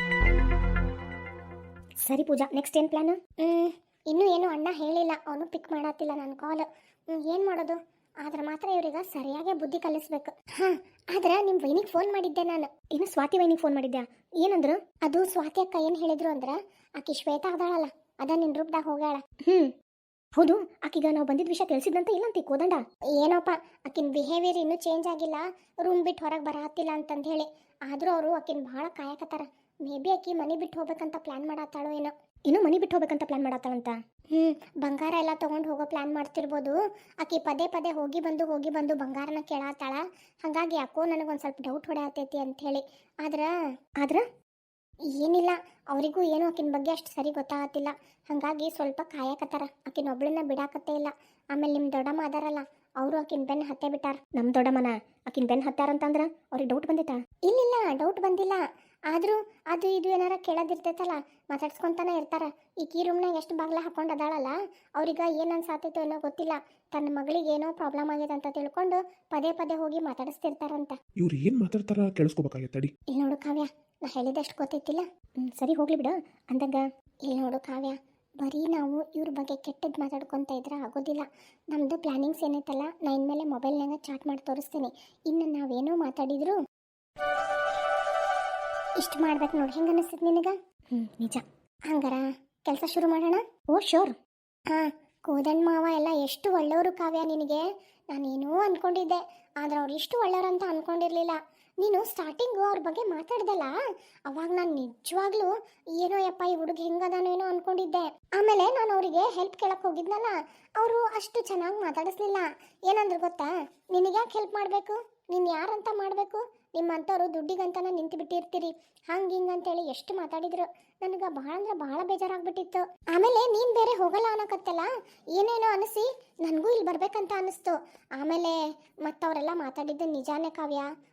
ಸರಿ ಪೂಜಾ, ನೆಕ್ಸ್ಟ್ ಏನು ಪ್ಲ್ಯಾನು? ಹ್ಞೂ ಇನ್ನೂ ಏನು ಅಣ್ಣ ಹೇಳಿಲ್ಲ. ಅವನು ಪಿಕ್ ಮಾಡತ್ತಿಲ್ಲ ನನ್ನ ಕಾಲ್. ಏನು ಮಾಡೋದು? ಆದ್ರೆ ಮಾತ್ರ ಇವ್ರಿಗೆ ಸರಿಯಾಗಿ ಬುದ್ಧಿ ಕಲಿಸ್ಬೇಕು. ಹಾಂ, ಆದ್ರೆ ನಿಮ್ಮ ವೈನಿಗೆ ಫೋನ್ ಮಾಡಿದ್ದೆ ನಾನು. ಇನ್ನು ಸ್ವಾತಿ ವೈನಿಗೆ ಫೋನ್ ಮಾಡಿದ್ದೆ. ಏನಂದ್ರು? ಅದು ಸ್ವಾತಿ ಅಕ್ಕ ಏನು ಹೇಳಿದ್ರು ಅಂದ್ರೆ, ಆಕಿ ಶ್ವೇತಾ ಅದಾಳಲ್ಲ, ಅದ ನಿನ್ನ ರೂಪದಾಗ ಹೋಗ್ಯಾಳ. ಹ್ಞೂ ಹೌದು. ಆಕೀಗ ನಾವು ಬಂದಿದ್ದ ವಿಷಯ ತಿಳಿಸಿದ್ದಂತ ಇಲ್ಲಂತ ಕೋದಂಡ. ಏನೋಪ್ಪ, ಆಕಿನ ಬಿಹೇವಿಯರ್ ಇನ್ನೂ ಚೇಂಜ್ ಆಗಿಲ್ಲ. ರೂಮ್ ಬಿಟ್ಟು ಹೊರಗೆ ಬರತ್ತಿಲ್ಲ ಅಂತಂದು ಹೇಳಿ. ಆದರೂ ಅವರು ಆಕಿನ ಭಾಳ ಕಾಯಕತ್ತಾರ. ಮೇ ಬಿ ಆಕಿ ಮನೆ ಬಿಟ್ಟು ಹೋಗ್ಬೇಕಂತ ಪ್ಲ್ಯಾನ್ ಮಾಡತ್ತಾಳೋ ಏನೋ. ಇನ್ನೂ ಮನೆ ಬಿಟ್ಟು ಹೋಗ್ಬೇಕಂತ ಪ್ಲಾನ್ ಮಾಡತ್ತಾಳಂತ. ಹ್ಞೂ ಬಂಗಾರ ಎಲ್ಲ ತೊಗೊಂಡು ಹೋಗೋ ಪ್ಲ್ಯಾನ್ ಮಾಡ್ತಿರ್ಬೋದು. ಆಕಿ ಪದೇ ಪದೇ ಹೋಗಿ ಬಂದು ಹೋಗಿ ಬಂದು ಬಂಗಾರನ ಕೇಳತ್ತಾಳ. ಹಾಗಾಗಿ ಯಾಕೋ ನನಗೊಂದು ಸ್ವಲ್ಪ ಡೌಟ್ ಹೊಡೆಯತೈತಿ ಅಂಥೇಳಿ. ಆದ್ರೆ ಆದ್ರೆ ಏನಿಲ್ಲ, ಅವರಿಗೂ ಏನೋ ಆಕಿನ ಬಗ್ಗೆ ಅಷ್ಟು ಸರಿ ಗೊತ್ತಾಗತ್ತಿಲ್ಲ. ಹಾಗಾಗಿ ಸ್ವಲ್ಪ ಕಾಯಕತ್ತಾರ. ಆಕಿನ ಒಬ್ಳನ್ನ ಬಿಡಾಕತ್ತೇ ಇಲ್ಲ. ಆಮೇಲೆ ನಿಮ್ಮ ದೊಡ್ಡಮ್ಮ ಅದಾರಲ್ಲ, ಅವರು ಆಕಿನ ಬೆನ್ನು ಹತ್ತೇ ಬಿಟ್ಟಾರ. ನಮ್ಮ ದೊಡ್ಡಮ್ಮನ ಆಕಿನ ಬೆನ್ನು ಹತ್ತಾರಂತಂದ್ರೆ ಅವ್ರಿಗೆ ಡೌಟ್ ಬಂದೈತಾ? ಇಲ್ಲಿಲ್ಲ, ಡೌಟ್ ಬಂದಿಲ್ಲ. ಆದರೂ ಅದು ಇದು ಏನಾರ ಕೇಳೋದಿರ್ತೈತಲ್ಲ, ಮಾತಾಡ್ಸ್ಕೊತಾನೆ ಇರ್ತಾರ. ಈಗ ಈ ರೂಮ್ನಾಗ ಎಷ್ಟು ಬಾಗ್ಲ ಹಾಕೊಂಡು ಅದಾಳಲ್ಲ, ಅವ್ರಿಗೆ ಏನು ಅನ್ಸಾತೈತೋ ಏನೋ ಗೊತ್ತಿಲ್ಲ. ತನ್ನ ಮಗಳಿಗೆ ಏನೋ ಪ್ರಾಬ್ಲಮ್ ಆಗಿದೆ ಅಂತ ತಿಳ್ಕೊಂಡು ಪದೇ ಪದೇ ಹೋಗಿ ಮಾತಾಡಿಸ್ತಿರ್ತಾರಂತ. ಇವ್ರು ಏನ್ ಮಾತಾಡ್ತಾರ ಕೇಳಿಸ್ಕೋಬೇಕಾಗತ್ತೆ. ತಡಿ. ಇಲ್ಲಿ ನೋಡು ಕಾವ್ಯ, ನಾ ಹೇಳಿದಷ್ಟು ಗೊತ್ತೈತಿಲ್ಲ. ಹ್ಞೂ ಸರಿ ಹೋಗ್ಲಿ ಬಿಡು ಅಂದಂಗ. ಇಲ್ಲಿ ನೋಡು ಕಾವ್ಯ, ಬರೀ ನಾವು ಇವ್ರ ಬಗ್ಗೆ ಕೆಟ್ಟದ್ದು ಮಾತಾಡ್ಕೊತ ಇದ್ರೆ ಆಗೋದಿಲ್ಲ. ನಮ್ಮದು ಪ್ಲ್ಯಾನಿಂಗ್ಸ್ ಏನೈತಲ್ಲ, ನಾ ಇನ್ಮೇಲೆ ಮೊಬೈಲ್ನಾಗ ಚಾಟ್ ಮಾಡಿ ತೋರಿಸ್ತೀನಿ. ಇನ್ನು ನಾವೇನೋ ಮಾತಾಡಿದ್ರು ಇಷ್ಟು ಮಾಡ್ಬೇಕು ನೋಡಿ. ಹೆಂಗೆ ಅನಿಸ್ತದೆ ನಿನಗೆ? ಹ್ಞೂ ನಿಜ. ಹಂಗಾರ ಕೆಲಸ ಶುರು ಮಾಡೋಣ? Oh sure. ಹಾಂ, ಕೋದಂಡ ಮಾವ ಎಲ್ಲ ಎಷ್ಟು ಒಳ್ಳೆಯವರು ಕಾವ್ಯ. ನಿನಗೆ ನಾನೇನೋ ಅಂದ್ಕೊಂಡಿದ್ದೆ, ಆದರೆ ಅವ್ರು ಇಷ್ಟು ಒಳ್ಳೆಯವರು ಅಂತ ಅಂದ್ಕೊಂಡಿರಲಿಲ್ಲ. ನೀನು ಸ್ಟಾರ್ಟಿಂಗು ಅವ್ರ ಬಗ್ಗೆ ಮಾತಾಡ್ದಲ್ಲ, ಅವಾಗ ನಾನು ನಿಜವಾಗ್ಲೂ ಏನೋ ಯಪ್ಪ ಈ ಹುಡುಗ ಹೆಂಗದಾನೋ ಏನೋ ಅಂದ್ಕೊಂಡಿದ್ದೆ. ಆಮೇಲೆ ನಾನು ಅವರಿಗೆ ಹೆಲ್ಪ್ ಕೇಳಕ್ಕೆ ಹೋಗಿದ್ನಲ್ಲ, ಅವರು ಅಷ್ಟು ಚೆನ್ನಾಗಿ ಮಾತಾಡಿಸ್ಲಿಲ್ಲ. ಏನಂದ್ರೆ ಗೊತ್ತಾ, ನಿನಗ್ಯಾಕೆ ಹೆಲ್ಪ್ ಮಾಡಬೇಕು, ನೀನು ಯಾರಂತ ಮಾಡಬೇಕು, ನಿಮ್ಮಂಥವ್ರು ದುಡ್ಡಿಗಂತನ ನಿಂತು ಬಿಟ್ಟಿರ್ತೀರಿ, ಹಂಗೆ ಹಿಂಗೆ ಅಂತೇಳಿ ಎಷ್ಟು ಮಾತಾಡಿದ್ರು. ನನಗೆ ಭಾಳ ಅಂದ್ರೆ ಭಾಳ ಬೇಜಾರಾಗ್ಬಿಟ್ಟಿತ್ತು. ಆಮೇಲೆ ನೀನು ಬೇರೆ ಹೋಗಲ್ಲ ಅನ್ನಕತ್ತಲ್ಲ, ಏನೇನೋ ಅನಿಸಿ ನನಗೂ ಇಲ್ಲಿ ಬರ್ಬೇಕಂತ ಅನ್ನಿಸ್ತು. ಆಮೇಲೆ ಮತ್ತವರೆಲ್ಲ ಮಾತಾಡಿದ್ದು ನಿಜಾನೇ ಕಾವ್ಯ.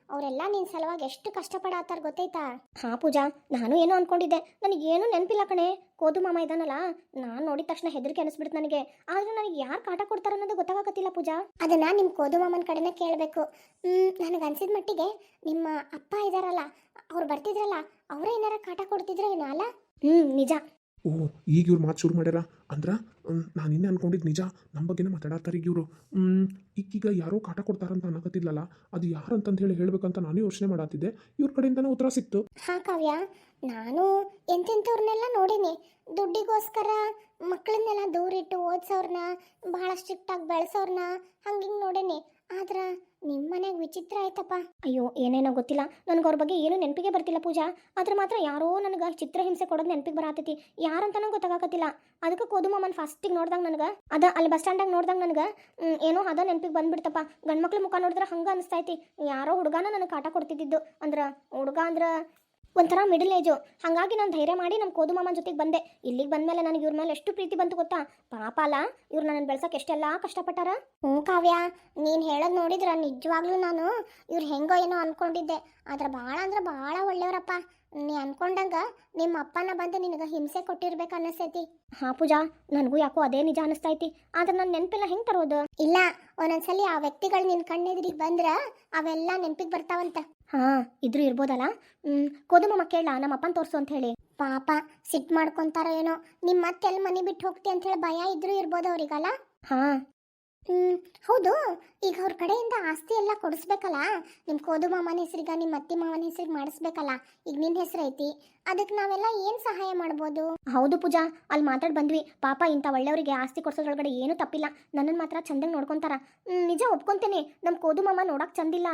ಅವರೆಲ್ಲ ನಿನ್ನ ಸಲುವಾಗಿ ಎಷ್ಟು ಕಷ್ಟಪಡತ್ತಾರ ಗೊತ್ತೈತಾ? ಹಾ ಪೂಜಾ, ನಾನು ಏನೋ ಅನ್ಕೊಂಡಿದ್ದೆ, ನನಗೇನು ನೆನಪಿಲ್ಲ ಕಣೆ. ಕೋದು ಮಾಮ ಇದ್ದಾನಲ್ಲ, ನಾನು ನೋಡಿದ ತಕ್ಷಣ ಹೆದರಿಕೆ ಅನಿಸ್ಬಿಡ್ತು ನನಗೆ. ಆದ್ರೆ ನನಗೆ ಯಾರು ಕಾಟ ಕೊಡ್ತಾರ ಅನ್ನೋದು ಗೊತ್ತಾಗತ್ತಿಲ್ಲ ಪೂಜಾ. ಅದನ್ನ ನಿಮ್ಮ ಕೋದು ಮಾಮನ ಕಡೆನೇ ಕೇಳಬೇಕು. ನನಗೆ ಅನ್ಸಿದ ಮಟ್ಟಿಗೆ ನಿಮ್ಮ ಅಪ್ಪ ಇದಾರಲ್ಲ, ಅವ್ರು ಬರ್ತಿದ್ರಲ್ಲ, ಅವರೇ ಏನಾರ ಕಾಟ ಕೊಡ್ತಿದ್ರ ಏನೋ ಅಲ್ಲ? ಹ್ಞೂ ನಿಜ. ಓ, ಈಗ ಇವ್ರು ಮಾತು ಶುರು ಮಾಡ್ಯಾರ ಅಂದ್ರೆ ನಾನು ಇನ್ನೇ ಅನ್ಕೊಂಡಿದ್ದು ನಿಜ. ನಮ್ಮ ಬಗ್ಗೆನೇ ಮಾತಾಡತ್ತಾರೆ ಈಗ ಇವರು. ಈಗೀಗ ಯಾರೋ ಕಾಟ ಕೊಡ್ತಾರಂತ ಅನ್ನಕತ್ತಿದ್ಲಲ್ಲ, ಅದು ಯಾರಂತಂದು ಹೇಳಿ ಹೇಳ್ಬೇಕಂತ ನಾನು ಯೋಚನೆ ಮಾಡತ್ತಿದ್ದೆ. ಇವ್ರ ಕಡೆಯಿಂದನೇ ಉತ್ತರ ಸಿಕ್ತು. ಹಾ ಕಾವ್ಯ, ನಾನು ಎಂತೆಂಥವ್ರನ್ನೆಲ್ಲ ನೋಡೀನಿ. ದುಡ್ಡಿಗೋಸ್ಕರ ಮಕ್ಕಳನ್ನೆಲ್ಲ ದೂರಿಟ್ಟು ಓದಿಸೋರ್ನ, ಭಾಳ ಸ್ಟ್ರಿಕ್ಟಾಗಿ ಬೆಳೆಸೋರ್ನ ಹಂಗಿಂಗೆ ನೋಡೇನಿ. ಆದ್ರೆ ನಿಮ್ಮ ಮನೆಗೆ ವಿಚಿತ್ರ ಆಯ್ತಪ್ಪ. ಅಯ್ಯೋ ಏನೇನೋ ಗೊತ್ತಿಲ್ಲ, ನನಗೆ ಅವ್ರ ಬಗ್ಗೆ ಏನು ನೆನಪಿಗೆ ಬರ್ತಿಲ್ಲ ಪೂಜಾ. ಆದ್ರೆ ಮಾತ್ರ ಯಾರೋ ನನಗೆ ಚಿತ್ರಹಿಂಸೆ ಕೊಡೋದು ನೆನಪಿಗೆ ಬರತೈತಿ. ಯಾರಂತನೂ ಗೊತ್ತಾಗತ್ತಿಲ್ಲ. ಅದಕ್ಕೆ ಕೋದು ಮಾಮನ್ ಫಸ್ಟಿಗೆ ನೋಡ್ದಂಗೆ ನನಗೆ ಅದ ಅಲ್ಲಿ ಬಸ್ ಸ್ಟ್ಯಾಂಡಾಗ ನೋಡ್ದಂಗೆ ನನಗೆ ಏನೋ ಅದ ನೆನಪಿಗೆ ಬಂದ್ಬಿಡ್ತಪ್ಪ. ಗಂಡ್ಮಕ್ಳು ಮುಖ ನೋಡಿದ್ರೆ ಹಂಗೆ ಅನಿಸ್ತೈತಿ. ಯಾರೋ ಹುಡುಗನ ನನಗೆ ಕಾಟ ಕೊಡ್ತಿದ್ದಿದ್ದು. ಅಂದ್ರೆ ಹುಡುಗ ಅಂದ್ರೆ ಒಂಥರ ಮಿಡಲ್ ಏಜು. ಹಾಗಾಗಿ ನಾನು ಧೈರ್ಯ ಮಾಡಿ ನಮ್ಮ ಕೋದು ಮಾಮನ ಜೊತೆಗೆ ಬಂದೆ. ಇಲ್ಲಿಗೆ ಬಂದಮೇಲೆ ನನಗೆ ಇವ್ರ ಮೇಲೆ ಎಷ್ಟು ಪ್ರೀತಿ ಬಂತು ಗೊತ್ತಾ. ಪಾಪ ಅಲ್ಲ, ಇವ್ರು ನನ್ನನ್ನು ಬೆಳ್ಸೋಕೆ ಎಷ್ಟೆಲ್ಲ ಕಷ್ಟಪಟ್ಟಾರ. ಹ್ಞೂ ಕಾವ್ಯ, ನೀನು ಹೇಳೋದು ನೋಡಿದ್ರೆ ನಿಜವಾಗ್ಲೂ ನಾನು ಇವ್ರು ಹೆಂಗೋ ಏನೋ ಅಂದ್ಕೊಂಡಿದ್ದೆ. ಆದ್ರೆ ಭಾಳ ಅಂದ್ರೆ ಭಾಳ ಒಳ್ಳೆಯವರಪ್ಪ. ನೀ ಅನ್ಕೊಂಡಂಗ ನಿಮ್ಮ ಅಪ್ಪನ ಬಂದು ನಿನಗೆ ಹಿಂಸೆ ಕೊಟ್ಟಿರ್ಬೇಕು ಅನ್ನಿಸ್ತೈತಿ. ಹಾ ಪೂಜಾ, ನನಗೂ ಯಾಕೋ ಅದೇ ನಿಜ ಅನಿಸ್ತೈತಿ. ಆದ್ರೆ ನನ್ನ ನೆನಪೆಲ್ಲ ಹೆಂಗೆ ತರೋದು? ಇಲ್ಲ, ಒಂದೊಂದ್ಸಲಿ ಆ ವ್ಯಕ್ತಿಗಳು ನಿನ್ನ ಕಣ್ಣೆದುರಿಗೆ ಬಂದ್ರೆ ಅವೆಲ್ಲ ನೆನಪಿಗೆ ಬರ್ತಾವಂತ. ಹಾ, ಇದ್ರೂ ಇರ್ಬೋದಲ್ಲ. ಹ್ಮ್ ಕೋದು ಮಾಮ ಕೇಳ ನಮ್ಮ ಅಪ್ಪನ ತೋರಿಸು ಅಂತ ಹೇಳಿ. ಪಾಪ ಸಿಟ್ಟು ಮಾಡ್ಕೊಂತಾರೋ ಏನೋ. ನಿಮ್ಮ ಮತ್ತೆಲ್ಲಿ ಮನೆ ಬಿಟ್ಟು ಹೋಗ್ತಿ ಅಂತ ಹೇಳಿ ಭಯ ಇದ್ರೂ ಇರ್ಬೋದು ಅವ್ರಿಗಲ್ಲ? ಹಾ ಹ್ಮ್ ಹೌದು. ಈಗ ಅವ್ರ ಕಡೆಯಿಂದ ಆಸ್ತಿ ಎಲ್ಲ ಕೊಡಿಸ್ಬೇಕಲ್ಲ. ನಿಮ್ಮ ಕೋದು ಮಾಮನ ಹೆಸರಿಗೆ, ನಿಮ್ಮ ಅತ್ತಿ ಮಾವನ ಹೆಸರಿಗೆ ಮಾಡಿಸ್ಬೇಕಲ್ಲ. ಈಗ ನಿನ್ನ ಹೆಸರು ಐತಿ, ಅದಕ್ಕೆ ನಾವೆಲ್ಲ ಏನು ಸಹಾಯ ಮಾಡ್ಬೋದು? ಹೌದು ಪೂಜಾ, ಅಲ್ಲಿ ಮಾತಾಡಿ ಬಂದ್ವಿ. ಪಾಪ ಇಂಥ ಒಳ್ಳೆಯವರಿಗೆ ಆಸ್ತಿ ಕೊಡ್ಸೋದ್ರೊಳಗಡೆ ಏನೂ ತಪ್ಪಿಲ್ಲ. ನನ್ನನ್ನು ಮಾತ್ರ ಚಂದಂಗೆ ನೋಡ್ಕೊಂತಾರ. ನಿಜ ಒಪ್ಕೊಂತೇನೆ, ನಮ್ಮ ಕೋದು ಮಾಮ ನೋಡಕ್ ಚಂದಿಲ್ಲ.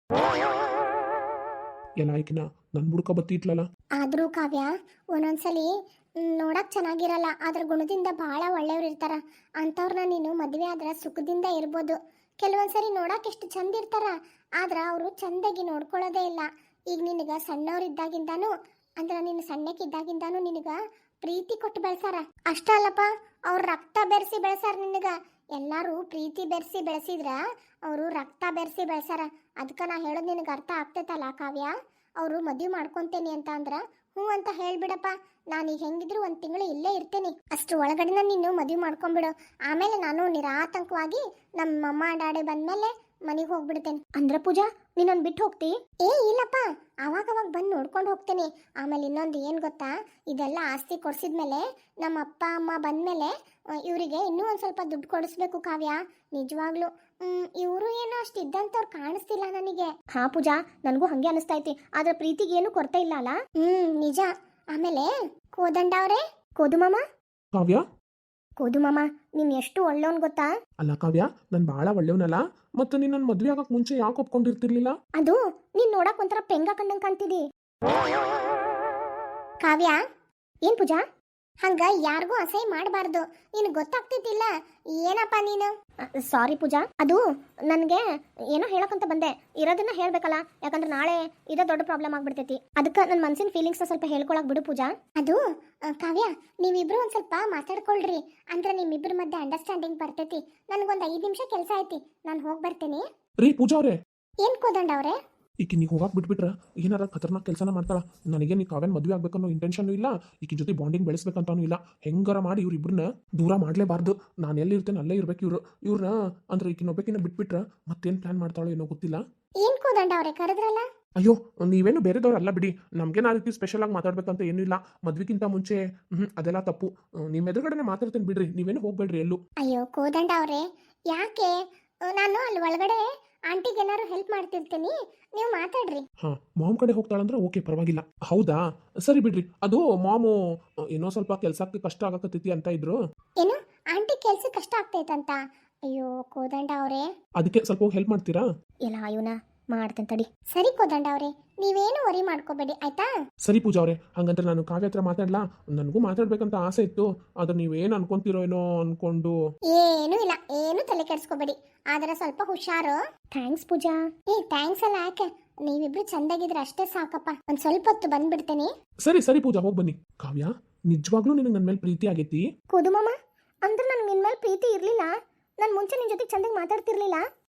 ಎಲ್ಲ ಆಯ್ಕಿನ ನನ್ನ ಬುಡ್ಕ ಬತ್ತಿ ಇಟ್ಲಲ್ಲ. ಆದರೂ ಕಾವ್ಯ, ಒಂದೊಂದ್ಸಲಿ ನೋಡಕ್ ಚೆನ್ನಾಗಿರಲ್ಲ, ಆದ್ರ ಗುಣದಿಂದ ಭಾಳ ಒಳ್ಳೆಯವ್ರು ಇರ್ತಾರ. ಅಂಥವ್ರನ್ನ ನೀನು ಮದುವೆ ಆದ್ರೆ ಸುಖದಿಂದ ಇರ್ಬೋದು. ಕೆಲವೊಂದ್ಸರಿ ನೋಡಕ್ ಎಷ್ಟು ಚಂದ ಇರ್ತಾರ, ಆದ್ರೆ ಅವರು ಚಂದಾಗಿ ನೋಡ್ಕೊಳ್ಳೋದೇ ಇಲ್ಲ. ಈಗ ನಿನಗೆ ಸಣ್ಣವ್ರಿದ್ದಾಗಿಂದಾನು, ಅಂದ್ರೆ ನೀನು ಸಣ್ಣಕ್ಕಿದ್ದಾಗಿಂದಾನು ನಿನಗ ಪ್ರೀತಿ ಕೊಟ್ಟು ಬೆಳೆಸಾರ. ಅಷ್ಟ ಅಲ್ಲಪ್ಪ, ಅವ್ರ ರಕ್ತ ಬೆರೆಸಿ ಬೆಳೆಸಾರ ನಿನಗ. ಎಲ್ಲರೂ ಪ್ರೀತಿ ಬೆರೆಸಿ ಬೆಳೆಸಿದ್ರ ಅವರು ರಕ್ತ ಬೆರೆಸಿ ಬೆಳೆಸಾರ. ಅದಕ್ಕೆ ನಾ ಹೇಳೋದು ನಿನಗೆ ಅರ್ಥ ಆಗ್ತೈತಲ್ಲ ಕಾವ್ಯ. ಅವರು ಮದುವೆ ಮಾಡ್ಕೊತೇನೆ ಅಂತ ಅಂದ್ರೆ ಹ್ಞೂ ಅಂತ ಹೇಳ್ಬಿಡಪ್ಪ. ನಾನೀಗ ಹೆಂಗಿದ್ರು ಒಂದು ತಿಂಗಳು ಇಲ್ಲೇ ಇರ್ತೇನೆ. ಅಷ್ಟು ಒಳಗಡೆ ನೀನು ಮದುವೆ ಮಾಡ್ಕೊಂಬಿಡು. ಆಮೇಲೆ ನಾನು ನಿರಾತಂಕವಾಗಿ ನಮ್ಮ ಅಮ್ಮ ಡ್ಯಾಡಿ ಬಂದಮೇಲೆ ಮನೆಗೆ ಹೋಗ್ಬಿಡ್ತೇನೆ. ಅಂದ್ರೆ ಪೂಜಾ, ನೀನನ್ನು ಬಿಟ್ಟು ಹೋಗ್ತಿ? ಏ ಇಲ್ಲಪ್ಪ, ಅವಾಗ ಅವಾಗ ಬಂದು ನೋಡ್ಕೊಂಡು ಹೋಗ್ತೇನೆ. ಆಮೇಲೆ ಇನ್ನೊಂದು ಏನು ಗೊತ್ತಾ, ಇದೆಲ್ಲ ಆಸ್ತಿ ಕೊಡಿಸಿದ್ಮೇಲೆ ನಮ್ಮ ಅಪ್ಪ ಅಮ್ಮ ಬಂದಮೇಲೆ ಇವರಿಗೆ ಇನ್ನೂ ಒಂದು ಸ್ವಲ್ಪ ದುಡ್ಡು ಕೊಡಿಸ್ಬೇಕು ಕಾವ್ಯ. ನಿಜವಾಗ್ಲೂ ಇವರು ಏನೋ ಅಷ್ಟು ಇದ್ದಂಥವ್ರು ಕಾಣಿಸ್ತಿಲ್ಲ ನನಗೆ. ಹಾ ಪೂಜಾ, ನನಗೂ ಹಂಗೆ ಅನಿಸ್ತೈತಿ. ಆದ್ರೆ ಪ್ರೀತಿಗೆ ಏನು ಕೊರತೆ ಇಲ್ಲ ಅಲ್ಲ? ಹ್ಮ್ ನಿಜ. ಆಮೇಲೆ ಕೋದಂಡ ಅವರೇ, ಕೋದು ಮಾಮ. ಕಾವ್ಯ, ಕೋದು ಮಾಮ, ನೀನ್ ಎಷ್ಟು ಒಳ್ಳೆಯವನ್ ಗೊತ್ತಾ? ಅಲ್ಲ ಕಾವ್ಯ, ನಾನು ಭಾಳ ಒಳ್ಳೆಯವನಲ್ಲ. ಮತ್ತು ನೀನು ನನ್ನ ಮದುವೆ ಆಗಕ್ಕೆ ಮುಂಚೆ ಯಾಕೆ ಒಪ್ಕೊಂಡಿರ್ತಿರ್ಲಿಲ್ಲ? ಅದು ನೀನ್ ನೋಡಕ್ ಒಂಥರ ಪೆಂಗ ಕಂಡಂಗ್ ಕಾಣ್ತಿದಿ. ಕಾವ್ಯ, ಏನ್ ಪೂಜಾ? ಹಂಗ ಯಾರಿಗೂ ಅಸಹ್ಯ ಮಾಡಬಾರ್ದು. ನೀನು ಗೊತ್ತಾಗ್ತಿದ್ದಿಲ್ಲ ಏನಪ್ಪ ನೀನು? ಸಾರಿ ಪೂಜಾ, ಅದು ನನಗೆ ಏನೋ ಹೇಳಕ್ಕಂತ ಬಂದೆ. ಇರೋದನ್ನ ಹೇಳ್ಬೇಕಲ್ಲ, ಯಾಕಂದ್ರೆ ನಾಳೆ ಇದೇ ದೊಡ್ಡ ಪ್ರಾಬ್ಲಮ್ ಆಗ್ಬಿಡ್ತೈತಿ. ಅದಕ್ಕೆ ನನ್ನ ಮನಸ್ಸಿನ ಫೀಲಿಂಗ್ಸ್ ಸ್ವಲ್ಪ ಹೇಳ್ಕೊಳಕ್ ಬಿಡು ಪೂಜಾ. ಅದು ಕಾವ್ಯ, ನೀವಿಬ್ರು ಒಂದ್ ಸ್ವಲ್ಪ ಮಾತಾಡ್ಕೊಳ್ರಿ, ಅಂದ್ರೆ ನಿಮ್ಮಿಬ್ರ ಮಧ್ಯೆ ಅಂಡರ್ಸ್ಟ್ಯಾಂಡಿಂಗ್ ಬರ್ತೈತಿ. ನನಗೊಂದು ಐದು ನಿಮಿಷ ಕೆಲಸ ಐತಿ, ನಾನು ಹೋಗಿ ಬರ್ತೇನೆ. ರೀ ಪೂಜಾ ಅವರೇ, ಏನ್ ಕೋದಂಡ ಅವ್ರೆ? ಈಕಿ ನೀವು ಹೋಗಕ್ಕೆ ಬಿಟ್ಬಿಟ್ರೆ ಏನಾರ ಖತರ್ನಾಕ್ ಕೆಲಸನ ಮಾಡ್ತಾಳ. ನನಗೆ ನೀ ಕಾವ್ಯನ ಮದುವೆ ಆಗ್ಬೇಕನ್ನೋ ಇಂಟೆನ್ಷನ್ ಇಲ್ಲ, ಈಕಿ ಜೊತೆ ಬಾಂಡಿಂಗ್ ಬೆಳೆಸ್ಬೇಕಂತಾನು ಇಲ್ಲ. ಹೆಂಗಾರ ಮಾಡಿ ಇವ್ರಿಬ್ರನ್ನ ದೂರ ಮಾಡಲೇಬಾರ್ದು. ನಾನು ಎಲ್ಲಿ ಇರ್ತೇನೆ ಅಲ್ಲೇ ಇರ್ಬೇಕು ಇವ್ರು. ಇವ್ರನ್ನ ಅಂದ್ರೆ ಈಕಿನೊಬ್ಬಕಿನ ಬಿಟ್ಬಿಟ್ರೆ ಮತ್ತೇನು ಪ್ಲಾನ್ ಮಾಡ್ತಾಳೋ ಏನೋ ಗೊತ್ತಿಲ್ಲ. ಏನ್ ಕೋದಂಡ ಅವ್ರೆ ಕರೆದ್ರಲ್ಲ? ಅಯ್ಯೋ, ನೀವೇನು ಬೇರೆದವ್ರು ಅಲ್ಲ ಬಿಡಿ. ನಮಗೇನು ಆ ರೀತಿ ಸ್ಪೆಷಲ್ ಆಗಿ ಮಾತಾಡ್ಬೇಕಂತ ಏನೂ ಇಲ್ಲ. ಮದ್ವಿಗಿಂತ ಮುಂಚೆ ಹ್ಞೂ ಅದೆಲ್ಲ ತಪ್ಪು. ನಿಮ್ಮ ಎದುರುಗಡೆನೆ ಮಾತಾಡ್ತೇನೆ ಬಿಡ್ರಿ, ನೀವೇನು ಹೋಗ್ಬೇಡ್ರಿ ಎಲ್ಲೂ. ಅಯ್ಯೋ ಕೋದಂಡ ಅವ್ರೆ, ಯಾಕೆ? ನಾನು ಅಲ್ಲಿ ಒಳಗಡೆ ಆಂಟಿಗೆ ಏನಾದ್ರು ಹೆಲ್ಪ್ ಮಾಡ್ತಿರ್ತೀನಿ, ನೀವು ಮಾತಾಡ್ರಿ. ಹಾ, ಮಾಮ್ ಕಡೆ ಹೋಗ್ತಾಳಂದ್ರೆ ಓಕೆ, ಪರವಾಗಿಲ್ಲ. ಹೌದಾ, ಸರಿ ಬಿಡ್ರಿ. ಅದು ಮಾಮು ಏನೋ ಸ್ವಲ್ಪ ಕೆಲ್ಸಕ್ಕೆ ಕಷ್ಟ ಆಗಕತ್ತೈತಿ ಅಂತ ಇದ್ರು. ಏನು ಆಂಟಿ ಕೆಲ್ಸ ಕಷ್ಟ ಆಗ್ತೈತಂತ? ಅಯ್ಯೋ ಕೋದಂಡ ಅವ್ರೆ, ಅದಕ್ಕೆ ಸ್ವಲ್ಪ ಹೋಗಿ ಹೆಲ್ಪ್ ಮಾಡ್ತೀರಾ? ಇಲ್ಲ ಇವನ ಮಾಡ್ತೇನೆ ತಡಿ. ಸರಿ ಕೋದಂಡ ಅವ್ರೆ, ನೀವೇನು ವರಿ ಮಾಡ್ಕೋಬೇಡಿ ಆಯ್ತಾ? ಸರಿ ಪೂಜಾ ಅವ್ರೆ, ಹಂಗಂದ್ರೆ ನಾನು ಕಾವ್ಯ ಹತ್ರ ಮಾತಾಡ್ಲಾ? ನನಗೂ ಮಾತಾಡ್ಬೇಕಂತ ಆಸೆ ಇತ್ತು, ಆದ್ರೆ ನೀವೇನು ಅನ್ಕೊಂತೀರೋ ಏನೋ ಅನ್ಕೊಂಡು. ಏನು ಇಲ್ಲ, ಏನು ತಲೆ ಕೆಡಿಸ್ಕೋಬೇಡಿ, ಆದ್ರೆ ಸ್ವಲ್ಪ ಹುಷಾರು. ಥ್ಯಾಂಕ್ಸ್ ಪೂಜಾ. ಏ ಥ್ಯಾಂಕ್ಸ್ ಅಲ್ಲ, ಯಾಕೆ? ನೀವಿಬ್ರು ಚಂದಾಗಿದ್ರೆ ಅಷ್ಟೇ ಸಾಕಪ್ಪ. ಒಂದ್ ಸ್ವಲ್ಪ ಹೊತ್ತು ಬಂದ್ಬಿಡ್ತೇನೆ. ಸರಿ ಸರಿ ಪೂಜಾ, ಹೋಗಿ ಬನ್ನಿ. ಕಾವ್ಯ, ನಿಜವಾಗ್ಲೂ ನಿನಗೆ ನನ್ನ ಮೇಲೆ ಪ್ರೀತಿ ಆಗೈತಿ? ಕೋದು ಮಾಮ, ಅಂದ್ರೆ ನನ್ಗೆ ನಿನ್ ಮೇಲೆ ಪ್ರೀತಿ ಇರ್ಲಿಲ್ಲ. ನಾನು ಮುಂಚೆ ನಿನ್ ಜೊತೆ ಚಂದಾಗಿ ಮಾತಾಡ್ತಿರ್ಲಿಲ್ಲ.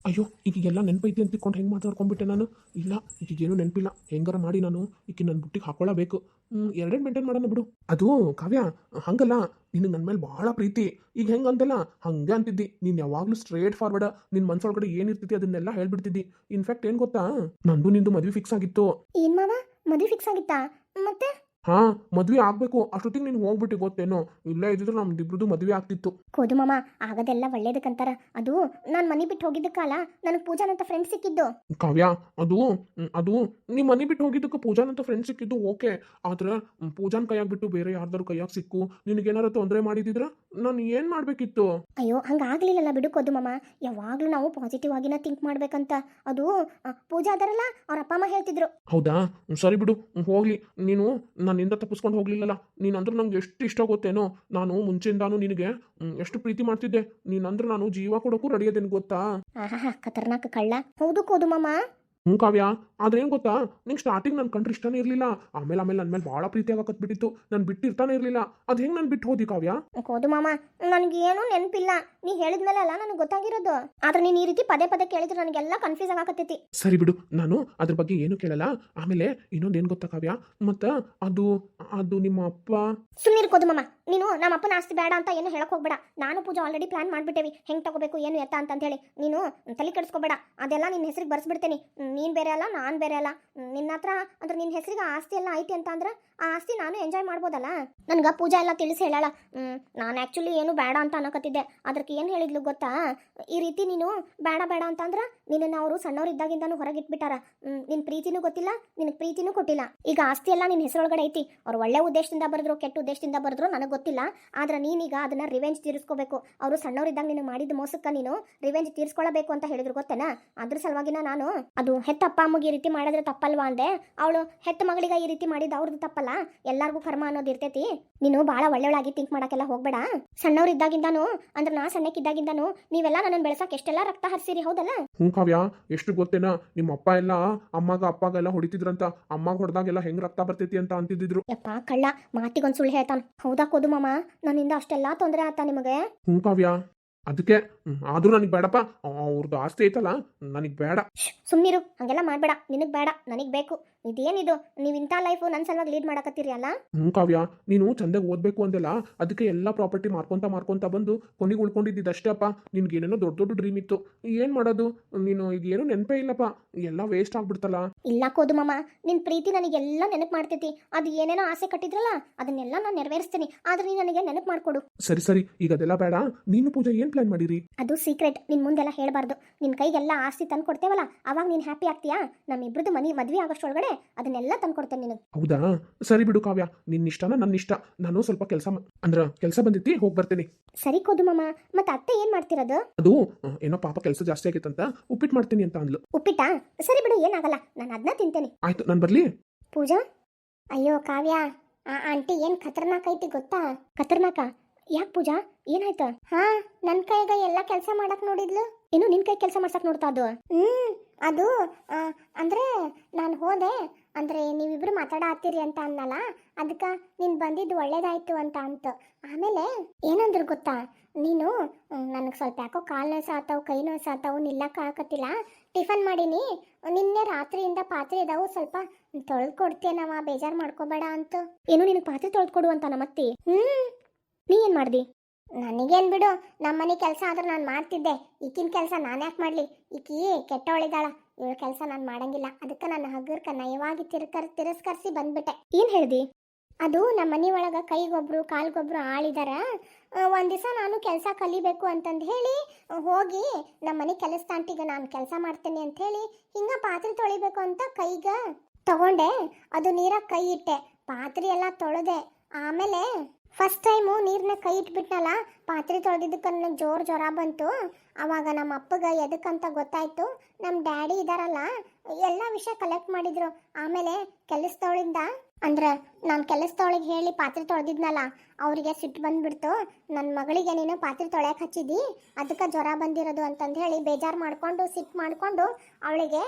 ಅಯ್ಯೋ ಈಗೆಲ್ಲ ನೆನಪೈತಿ ಅಂತ ತಿಳ್ಕೊಂಡು ಹೆಂಗೆ ಮಾತಾಡ್ಕೊಂಡ್ಬಿಟ್ಟೆ ನಾನು. ಇಲ್ಲ ಈಗೇನು ನೆನಪಿಲ್ಲ, ಹೆಂಗಾರ ಮಾಡಿ ನಾನು ಈಕೆ ನನ್ನ ಬುಟ್ಟಿಗೆ ಹಾಕೊಳ್ಳಬೇಕು. ಹ್ಞೂ ಎರಡೇನು ಮೇಂಟೈನ್ ಮಾಡೋಣ ಬಿಡು. ಅದು ಕಾವ್ಯ ಹಂಗಲ್ಲ, ನಿನಗೆ ನನ್ನ ಮೇಲೆ ಭಾಳ ಪ್ರೀತಿ. ಈಗ ಹೆಂಗೆ ಅಂತಲ್ಲ ಹಂಗೆ ಅಂತಿದ್ದಿ. ನೀನು ಯಾವಾಗಲೂ ಸ್ಟ್ರೇಟ್ ಫಾರ್ವರ್ಡ್, ನಿನ್ನ ಮನ್ಸೊಳಗಡೆ ಏನಿರ್ತೈತಿ ಅದನ್ನೆಲ್ಲ ಹೇಳ್ಬಿಡ್ತಿದ್ದಿ. ಇನ್ಫ್ಯಾಕ್ಟ್ ಏನು ಗೊತ್ತಾ, ನಂದು ನಿಂದು ಮದುವೆ ಫಿಕ್ಸ್ ಆಗಿತ್ತು. ಏನ್ ಮಾವ ಮದುವೆ ಫಿಕ್ಸ್ ಆಗಿತ್ತಾ? ಮತ್ತೆ ಹಾಂ ಮದುವೆ ಆಗಬೇಕು ಅಷ್ಟೊತ್ತಿಗೆ ನೀನು ಹೋಗ್ಬಿಟ್ಟು ಗೊತ್ತೇನೋ. ಇಲ್ಲೇ ಇದ್ದಿದ್ರೆ ನಮ್ದಿಬ್ರದ್ದು ಮದುವೆ ಆಗ್ತಿತ್ತು. ಕೋದು ಮಾಮ ಆಗೋದೆಲ್ಲ ಒಳ್ಳೇದಕ್ಕಂತಾರ. ಅದು ನಾನು ಮನೆ ಬಿಟ್ಟು ಹೋಗಿದ್ದಕ್ಕಲ್ಲ ನನಗೆ ಪೂಜಾನಂತ ಫ್ರೆಂಡ್ ಸಿಕ್ಕಿದ್ದು. ಕಾವ್ಯ ಅದು ಅದು ನಿಮ್ಮ ಮನೆ ಬಿಟ್ಟು ಹೋಗಿದ್ದಕ್ಕೆ ಪೂಜಾನಂತ ಫ್ರೆಂಡ್ ಸಿಕ್ಕಿದ್ದು ಓಕೆ. ಆದ್ರೆ ಪೂಜಾನ್ ಕೈಯಾಗ ಬಿಟ್ಟು ಬೇರೆ ಯಾರ್ದಾರು ಕೈಯಾಗ ಸಿಕ್ಕು ನಿನಗೇನಾರು ತೊಂದರೆ ಮಾಡಿದಿದ್ರ ನಾನು ಏನು ಮಾಡಬೇಕಿತ್ತು? ಅಯ್ಯೋ ಹಂಗಾಗ್ಲಿಲ್ಲಲ್ಲ ಬಿಡು ಕೋದು ಮಾಮ. ಯಾವಾಗಲೂ ನಾವು ಪಾಸಿಟಿವ್ ಆಗಿನ ಥಿಂಕ್ ಮಾಡ್ಬೇಕಂತ. ಅದು ಆ, ಪೂಜಾ ಅದರಲ್ಲ ಅವ್ರ ಅಪ್ಪ ಅಮ್ಮ ಹೇಳ್ತಿದ್ರು. ಹೌದಾ ಸರಿ ಬಿಡು, ಹೋಗ್ಲಿ. ನೀನು ನನ್ನಿಂದ ತಪ್ಪಿಸ್ಕೊಂಡು ಹೋಗ್ಲಿಲ್ಲಲ್ಲ. ನೀನಂದ್ರೆ ನಂಗೆ ಎಷ್ಟು ಇಷ್ಟ ಗೊತ್ತೇನೋ. ನಾನು ಮುಂಚೆಯಿಂದಾನು ನಿನಗೆ ಹ್ಮ್, ಎಷ್ಟು ಪ್ರೀತಿ ಮಾಡ್ತಿದ್ದೆ. ನೀನಂದ್ರೆ ನಾನು ಜೀವ ಕೊಡೋಕ್ಕೂ ರೆಡಿ ಅದೇನು ಗೊತ್ತಾ? ಆಹಾ ಖತರ್ನಾಕ್ ಕಳ್ಳ. ಹೌದು ಕೋದು ಮಾಮ. ಹ್ಞೂ ಕಾವ್ಯ, ಆದ್ರೆ ಏನು ಗೊತ್ತಾ, ನಿಂಗೆ ಸ್ಟಾರ್ಟಿಂಗ್ ನನ್ನ ಕಂಡ್ರೆ ಇಷ್ಟನೇ ಇರಲಿಲ್ಲ. ಆಮೇಲೆ ಆಮೇಲೆ ನನ್ನ ಮೇಲೆ ಭಾಳ ಪ್ರೀತಿ ಆಗಕತ್ಬಿಟ್ಟಿತ್ತು. ನಾನು ಬಿಟ್ಟಿರ್ತಾನೆ ಇರಲಿಲ್ಲ. ಅದು ಹೆಂಗೆ ನಾನು ಬಿಟ್ಟು ಹೋದಿ ಕಾವ್ಯ? ಕೋದು ಮಾಮ ನನಗೇನು ನೆನಪಿಲ್ಲ. ನೀ ಹೇಳಿದ್ಮೇಲೆ ಅಲ್ಲ ನನಗೆ ಗೊತ್ತಾಗಿರೋದು. ಆದ್ರೆ ನೀನು ಈ ರೀತಿ ಪದೇ ಪದೇ ಕೇಳಿದ್ರೆ ನನಗೆಲ್ಲ ಕನ್ಫ್ಯೂಸ್ ಆಗಕತ್ತೈತಿ. ಸರಿ ಬಿಡು, ನಾನು ಅದ್ರ ಬಗ್ಗೆ ಏನು ಕೇಳಲ್ಲ. ಆಮೇಲೆ ಇನ್ನೊಂದು ಏನು ಗೊತ್ತಾ ಕಾವ್ಯ, ಮತ್ತು ಅದು ಅದು ನಿಮ್ಮ ಅಪ್ಪ. ಸುಮ್ಮನೆ ಕೋದು ಮಾಮ, ನೀನು ನಮ್ಮ ಅಪ್ಪನ ಆಸ್ತಿ ಬೇಡ ಅಂತ ಏನು ಹೇಳಕ್ ಹೋಗ್ಬೇಡ. ನಾನು ಪೂಜಾ ಆಲ್ರೆಡಿ ಪ್ಲಾನ್ ಮಾಡ್ಬಿಟ್ಟೇವಿ ಹೆಂಗೆ ತಗೋಬೇಕು ಏನು ಎತ್ತ ಅಂತ ಹೇಳಿ. ನೀನು ತಲೆ ಕೆಡಿಸ್ಕೋಬೇಡ. ಅದೆಲ್ಲ ನಿನ್ನ ಹೆಸರಿಗೆ ಬರ್ಸ್ಬಿಡ್ತೇನೆ. ನೀನು ಬೇರೆ ಅಲ್ಲ ನಾನು ಬೇರೆ ಅಲ್ಲ. ನಿನ್ನ ಹತ್ರ ಅಂದ್ರೆ ನಿನ್ನ ಹೆಸರಿಗೆ ಆಸ್ತಿ ಎಲ್ಲ ಐತಿ ಅಂತ ಅಂದ್ರೆ ಆ ಆಸ್ತಿ ನಾನು ಎಂಜಾಯ್ ಮಾಡ್ಬೋದಲ್ಲ. ನನ್ಗೆ ಪೂಜಾ ಎಲ್ಲ ತಿಳಿಸಿ ಹೇಳಲ್ಲ. ನಾನು ಆ್ಯಕ್ಚುಲಿ ಏನು ಬೇಡ ಅಂತ ಅನ್ನಕತ್ತಿದ್ದೆ. ಅದಕ್ಕೆ ಏನು ಹೇಳಿದ್ಲು ಗೊತ್ತಾ, ಈ ರೀತಿ ನೀನು ಬೇಡ ಬೇಡ ಅಂತಂದ್ರೆ ನಿನ್ನನ್ನು ಅವರು ಸಣ್ಣವರಿದ್ದಾಗಿಂದನೂ ಹೊರಗಿಟ್ಬಿಟ್ಟಾರ. ನಿನ್ನ ಪ್ರೀತಿನೂ ಗೊತ್ತಿಲ್ಲ, ನಿನಗೆ ಪ್ರೀತಿನೂ ಕೊಟ್ಟಿಲ್ಲ. ಈಗ ಆಸ್ತಿ ಎಲ್ಲ ನಿನ್ನ ಹೆಸರೊಳಗಡೆ ಐತಿ. ಅವ್ರು ಒಳ್ಳೆ ಉದ್ದೇಶದಿಂದ ಬರೆದ್ರು ಕೆಟ್ಟ ಉದ್ದೇಶದಿಂದ ಬರೆದ್ರು ನನಗೆ ಗೊತ್ತಿಲ್ಲ. ಆದ್ರೆ ನೀನೀಗ ಅದನ್ನ ರಿವೆಂಜ್ ತೀರಿಸ್ಕೋಬೇಕು. ಅವರು ಸಣ್ಣವರಿದ್ದಾಗ ನೀನು ಮಾಡಿದ ಮೋಸಕ್ಕೆ ನೀನು ರಿವೆಂಜ್ ತೀರಿಸ್ಕೊಳ್ಳಬೇಕು ಅಂತ ಹೇಳಿದ್ರು ಗೊತ್ತೇನಾ? ಅದ್ರ ಸಲುವಾಗಿನ ನಾನು ಅದು ಹೆತ್ತ ಅಪ್ಪ ಅಮ್ಮಗೆ ಈ ರೀತಿ ಮಾಡಿದ್ರೆ ತಪ್ಪಲ್ವಾ ಅಂದೆ. ಅವಳು ಹೆತ್ತ ಮಗಳಿಗೆ ಈ ರೀತಿ ಮಾಡಿದ ಅವ್ರದ್ದು ತಪ್ಪಲ್ಲ. ಎಲ್ಲಾರ್ಗೂ ಕರ್ಮ ಅನ್ನೋದು ಇರ್ತೈತಿ. ನೀನು ಭಾಳ ಒಳ್ಳೆಯೊಳಾಗಿ ಥಿಂಕ್ ಮಾಡಕ್ಕೆಲ್ಲ ಹೋಗ್ಬೇಡ. ಸಣ್ಣವರಿದ್ದಾಗಿಂದಾನು ಅಂದ್ರೆ ನಾ ಸಣ್ಣಕ್ಕಿದ್ದಾಗಿಂದಾನು ನೀವೆಲ್ಲ ನನ್ನನ್ನು ಬೆಳೆಸಕ್ಕೆ ಎಷ್ಟೆಲ್ಲ ರಕ್ತ ಹರಿಸಿರಿ, ಹೌದಲ್ಲ? ಹ್ಞೂ ಕಾವ್ಯ, ಎಷ್ಟು ಗೊತ್ತೇನಾ, ನಿಮ್ಮ ಅಪ್ಪ ಎಲ್ಲ ಅಮ್ಮಗ ಅಪ್ಪಗೆಲ್ಲ ಹೊಡಿತಿದ್ರಂತ. ಅಮ್ಮಗ ಹೊಡೆದಾಗೆಲ್ಲ ಹೆಂಗ್ ರಕ್ತ ಬರ್ತೈತಿ ಅಂತ ಅಂತಿದ್ರು. ಯಪ್ಪ ಕಳ್ಳ, ಮಾತಿಗೊಂದು ಸುಳ್ಳು ಹೇಳ್ತಾನ. ಹೌದಾ ಕೋದು ಮಾಮ, ನನ್ನಿಂದ ಅಷ್ಟೆಲ್ಲ ತೊಂದರೆ ಆತ ನಿಮಗೆ? ಹ್ಞೂ ಕಾವ್ಯ, ಅದಕ್ಕೆ ಆದ್ರೂ ನನಗೆ ಬೇಡಪ್ಪ. ಅವ್ರದ್ದು ಆಸ್ತಿ ಐತಲ್ಲ ನನಗೆ ಬೇಡ. ಸುಮ್ಮನಿರು, ಹಂಗೆಲ್ಲ ಮಾಡಬೇಡ. ನಿನಗೆ ಬೇಡ, ನನಗೆ ಬೇಕು. ಇದೇನಿದು ನೀವು ಇಂಥ ಲೈಫು ನನ್ನ ಸಲುವಾಗಿ ಲೀಡ್ ಮಾಡಕತ್ತೀರಿ ಅಲ್ಲ? ಹ್ಞೂ ಕಾವ್ಯ, ನೀನು ಚಂದಾಗಿ ಓದಬೇಕು ಅಂದೆಲ್ಲ, ಅದಕ್ಕೆ ಎಲ್ಲ ಪ್ರಾಪರ್ಟಿ ಮಾರ್ಕೊಂತ ಮಾರ್ಕೊಂತ ಬಂದು ಕೊನೆಗೆ ಉಳ್ಕೊಂಡಿದ್ದು ಅಷ್ಟೇ ಅಪ್ಪ. ನಿನ್ಗೇನೇನೋ ದೊಡ್ಡ ದೊಡ್ಡ ಡ್ರೀಮ್ ಇತ್ತು. ಏನು ಮಾಡೋದು, ನೀನು ಈಗ ಏನೂ ನೆನಪೇ ಇಲ್ಲಪ್ಪ. ಎಲ್ಲ ವೇಸ್ಟ್ ಆಗ್ಬಿಡ್ತಲ್ಲ. ಇಲ್ಲ ಕೋದು ಮಾಮ, ನಿನ್ನ ಪ್ರೀತಿ ನನಗೆಲ್ಲ ನೆನಪು ಮಾಡ್ತೈತಿ. ಅದು ಏನೇನೋ ಆಸೆ ಕಟ್ಟಿದ್ರಲ್ಲ ಅದನ್ನೆಲ್ಲ ನಾನು ನೆರವೇರಿಸ್ತೀನಿ. ಆದ್ರೆ ನೀನು ನನಗೆ ನೆನಪು ಮಾಡಿಕೊಡು. ಸರಿ ಸರಿ, ಈಗ ಅದೆಲ್ಲ ಬೇಡ. ನೀನು ಪೂಜಾ ಏನು ಪ್ಲಾನ್ ಮಾಡಿರಿ? ಅದು ಸೀಕ್ರೆಟ್, ನಿನ್ನ ಮುಂದೆಲ್ಲ ಹೇಳಬಾರ್ದು. ನಿನ್ನ ಕೈಗೆಲ್ಲ ಆಸ್ತಿ ತಂದು ಕೊಡ್ತೇವಲ್ಲ, ಅವಾಗ ನೀನು ಹ್ಯಾಪಿ ಆಗ್ತೀಯಾ? ನಮ್ಮಿಬ್ರದ್ದು ಮನೆ ಮದುವೆ ಆಗೋಷ್ಟೊಳಗಡೆ ಅದನ್ನೆಲ್ಲ ತಂದು ಕೊಡ್ತೇನೆ ನಿನಗೆ. ಹೌದಾ ಸರಿ ಬಿಡು ಕಾವ್ಯ, ನಿನ್ನ ಇಷ್ಟನ ನನ್ನ ಇಷ್ಟ. ನಾನು ಸ್ವಲ್ಪ ಕೆಲಸ ಅಂದ್ರೆ ಕೆಲಸ ಬಂದಿತ್ತು, ಹೋಗಿ ಬರ್ತೇನೆ. ಸರಿ ಕೋದು ಮಾಮ, ಮತ್ತೆ ಅತ್ತೆ ಏನು ಮಾಡ್ತಿರೋದು? ಅದು ಏನೋ ಪಾಪ ಕೆಲಸ ಜಾಸ್ತಿ ಆಗೈತಂತ ಉಪ್ಪಿಟ್ಟು ಮಾಡ್ತೀನಿ ಅಂತ ಅಂದ್ಲು. ಉಪ್ಪಿಟ್ಟಾ? ಸರಿ ಬಿಡು, ಏನಾಗಲ್ಲ, ನಾನು ಅದನ್ನ ತಿಂತೇನೆ. ಆಯ್ತು, ನಾನು ಬರ್ಲಿ? ಪೂಜಾ, ಅಯ್ಯೋ ಕಾವ್ಯ, ಆ ಆಂಟಿ ಏನು ಖತರ್ನಾಕ್ ಐತಿ ಗೊತ್ತಾ? ಖತರ್ನಾಕ? ಯಾಕೆ ಪೂಜಾ, ಏನಾಯ್ತಾ? ಹಾ, ನನ್ನ ಕೈಗ ಎಲ್ಲ ಕೆಲಸ ಮಾಡಕ್ ನೋಡಿದ್ಲು. ಏನು ನಿನ್ನ ಕೈ ಕೆಲಸ ಮಾಡ್ಸಕ್ ನೋಡ್ತಾ ಅದು? ಹ್ಮ್ ಅದು ಆ, ಅಂದ್ರೆ ನಾನು ಹೋದೆ ಅಂದ್ರೆ ನೀವಿಬ್ರು ಮಾತಾಡ ಹತ್ತೀರಿ ಅಂತ ಅನ್ನಲ್ಲ, ಅದಕ್ಕೆ ನೀನು ಬಂದಿದ್ದು ಒಳ್ಳೇದಾಯ್ತು ಅಂತ ಅಂತ. ಆಮೇಲೆ ಏನಂದ್ರು ಗೊತ್ತಾ, ನೀನು ನನಗೆ ಸ್ವಲ್ಪ ಯಾಕೋ ಕಾಲು ನೋಸಾತಾವು, ಕೈ ನೋಸಾತಾವು, ನಿಲ್ಲಕ್ಕೆ ಆಗತ್ತಿಲ್ಲ, ಟಿಫನ್ ಮಾಡೀನಿ, ನಿನ್ನೆ ರಾತ್ರಿಯಿಂದ ಪಾತ್ರೆ ಇದಾವು, ಸ್ವಲ್ಪ ತೊಳೆದು ಕೊಡ್ತೇನವ, ಬೇಜಾರು ಮಾಡ್ಕೋಬೇಡ ಅಂತ. ಏನು ನಿನಗೆ ಪಾತ್ರೆ ತೊಳೆದು ಕೊಡು ಅಂತ ನಮ್ಮತ್ತಿ? ಹ್ಮ್ ನೀ ಏನು ಮಾಡ್ದಿ? ನನಗೇನು ಬಿಡು, ನಮ್ಮ ಮನೆ ಕೆಲಸ ಆದ್ರೆ ನಾನು ಮಾಡ್ತಿದ್ದೆ. ಈಕಿನ ಕೆಲಸ ನಾನು ಯಾಕೆ ಮಾಡಲಿ? ಈಕಿ ಕೆಟ್ಟವಳಿದಾಳ, ಇವಳ ಕೆಲಸ ನಾನು ಮಾಡಂಗಿಲ್ಲ. ಅದಕ್ಕೆ ನನ್ನ ಹಗ್ಗರ್ಕ ನಯವಾಗಿ ತಿರ್ಕರ್ ತಿರಸ್ಕರಿಸಿ ಬಂದ್ಬಿಟ್ಟೆ. ಏನು ಹೇಳ್ದಿ? ಅದು ನಮ್ಮ ಮನೆ ಒಳಗೆ ಕೈಗೊಬ್ರು ಕಾಲ್ಗೊಬ್ರು ಆಳಿದಾರ. ಒಂದು ದಿವಸ ನಾನು ಕೆಲಸ ಕಲಿಬೇಕು ಅಂತಂದು ಹೇಳಿ ಹೋಗಿ ನಮ್ಮ ಮನೆ ಕೆಲಸದಾಂಟಿಗೆ ನಾನು ಕೆಲಸ ಮಾಡ್ತೇನೆ ಅಂತ ಹೇಳಿ ಹಿಂಗೆ ಪಾತ್ರೆ ತೊಳಿಬೇಕು ಅಂತ ಕೈಗೆ ತಗೊಂಡೆ. ಅದು ನೀರಾಗ ಕೈ ಇಟ್ಟೆ, ಪಾತ್ರೆ ಎಲ್ಲ ತೊಳೆದೆ. ಆಮೇಲೆ ಫಸ್ಟ್ ಟೈಮು ನೀರನ್ನ ಕೈ ಇಟ್ಬಿಟ್ನಲ್ಲ, ಪಾತ್ರೆ ತೊಳೆದಿದ್ದಕ್ಕೆ ನನಗೆ ಜೋರು ಜ್ವರ ಬಂತು. ಆವಾಗ ನಮ್ಮ ಅಪ್ಪಗೆ ಎದಕ್ಕಂತ ಗೊತ್ತಾಯ್ತು. ನಮ್ಮ ಡ್ಯಾಡಿ ಇದಾರಲ್ಲ, ಎಲ್ಲ ವಿಷಯ ಕಲೆಕ್ಟ್ ಮಾಡಿದ್ರು. ಆಮೇಲೆ ಕೆಲಸದವಳಿಂದ ಅಂದ್ರೆ ನಾನು ಕೆಲಸದವಳಿಗೆ ಹೇಳಿ ಪಾತ್ರೆ ತೊಳೆದಿದ್ನಲ್ಲ, ಅವರಿಗೆ ಸಿಟ್ಟು ಬಂದ್ಬಿಡ್ತು. ನನ್ನ ಮಗಳಿಗೆ ನೀನು ಪಾತ್ರೆ ತೊಳೆಯಕ್ಕೆ ಹಚ್ಚಿದ್ದಿ, ಅದಕ್ಕೆ ಜ್ವರ ಬಂದಿರೋದು ಅಂತಂದು ಹೇಳಿ ಬೇಜಾರು ಮಾಡಿಕೊಂಡು ಸಿಟ್ಟು ಮಾಡಿಕೊಂಡು ಅವಳಿಗೆ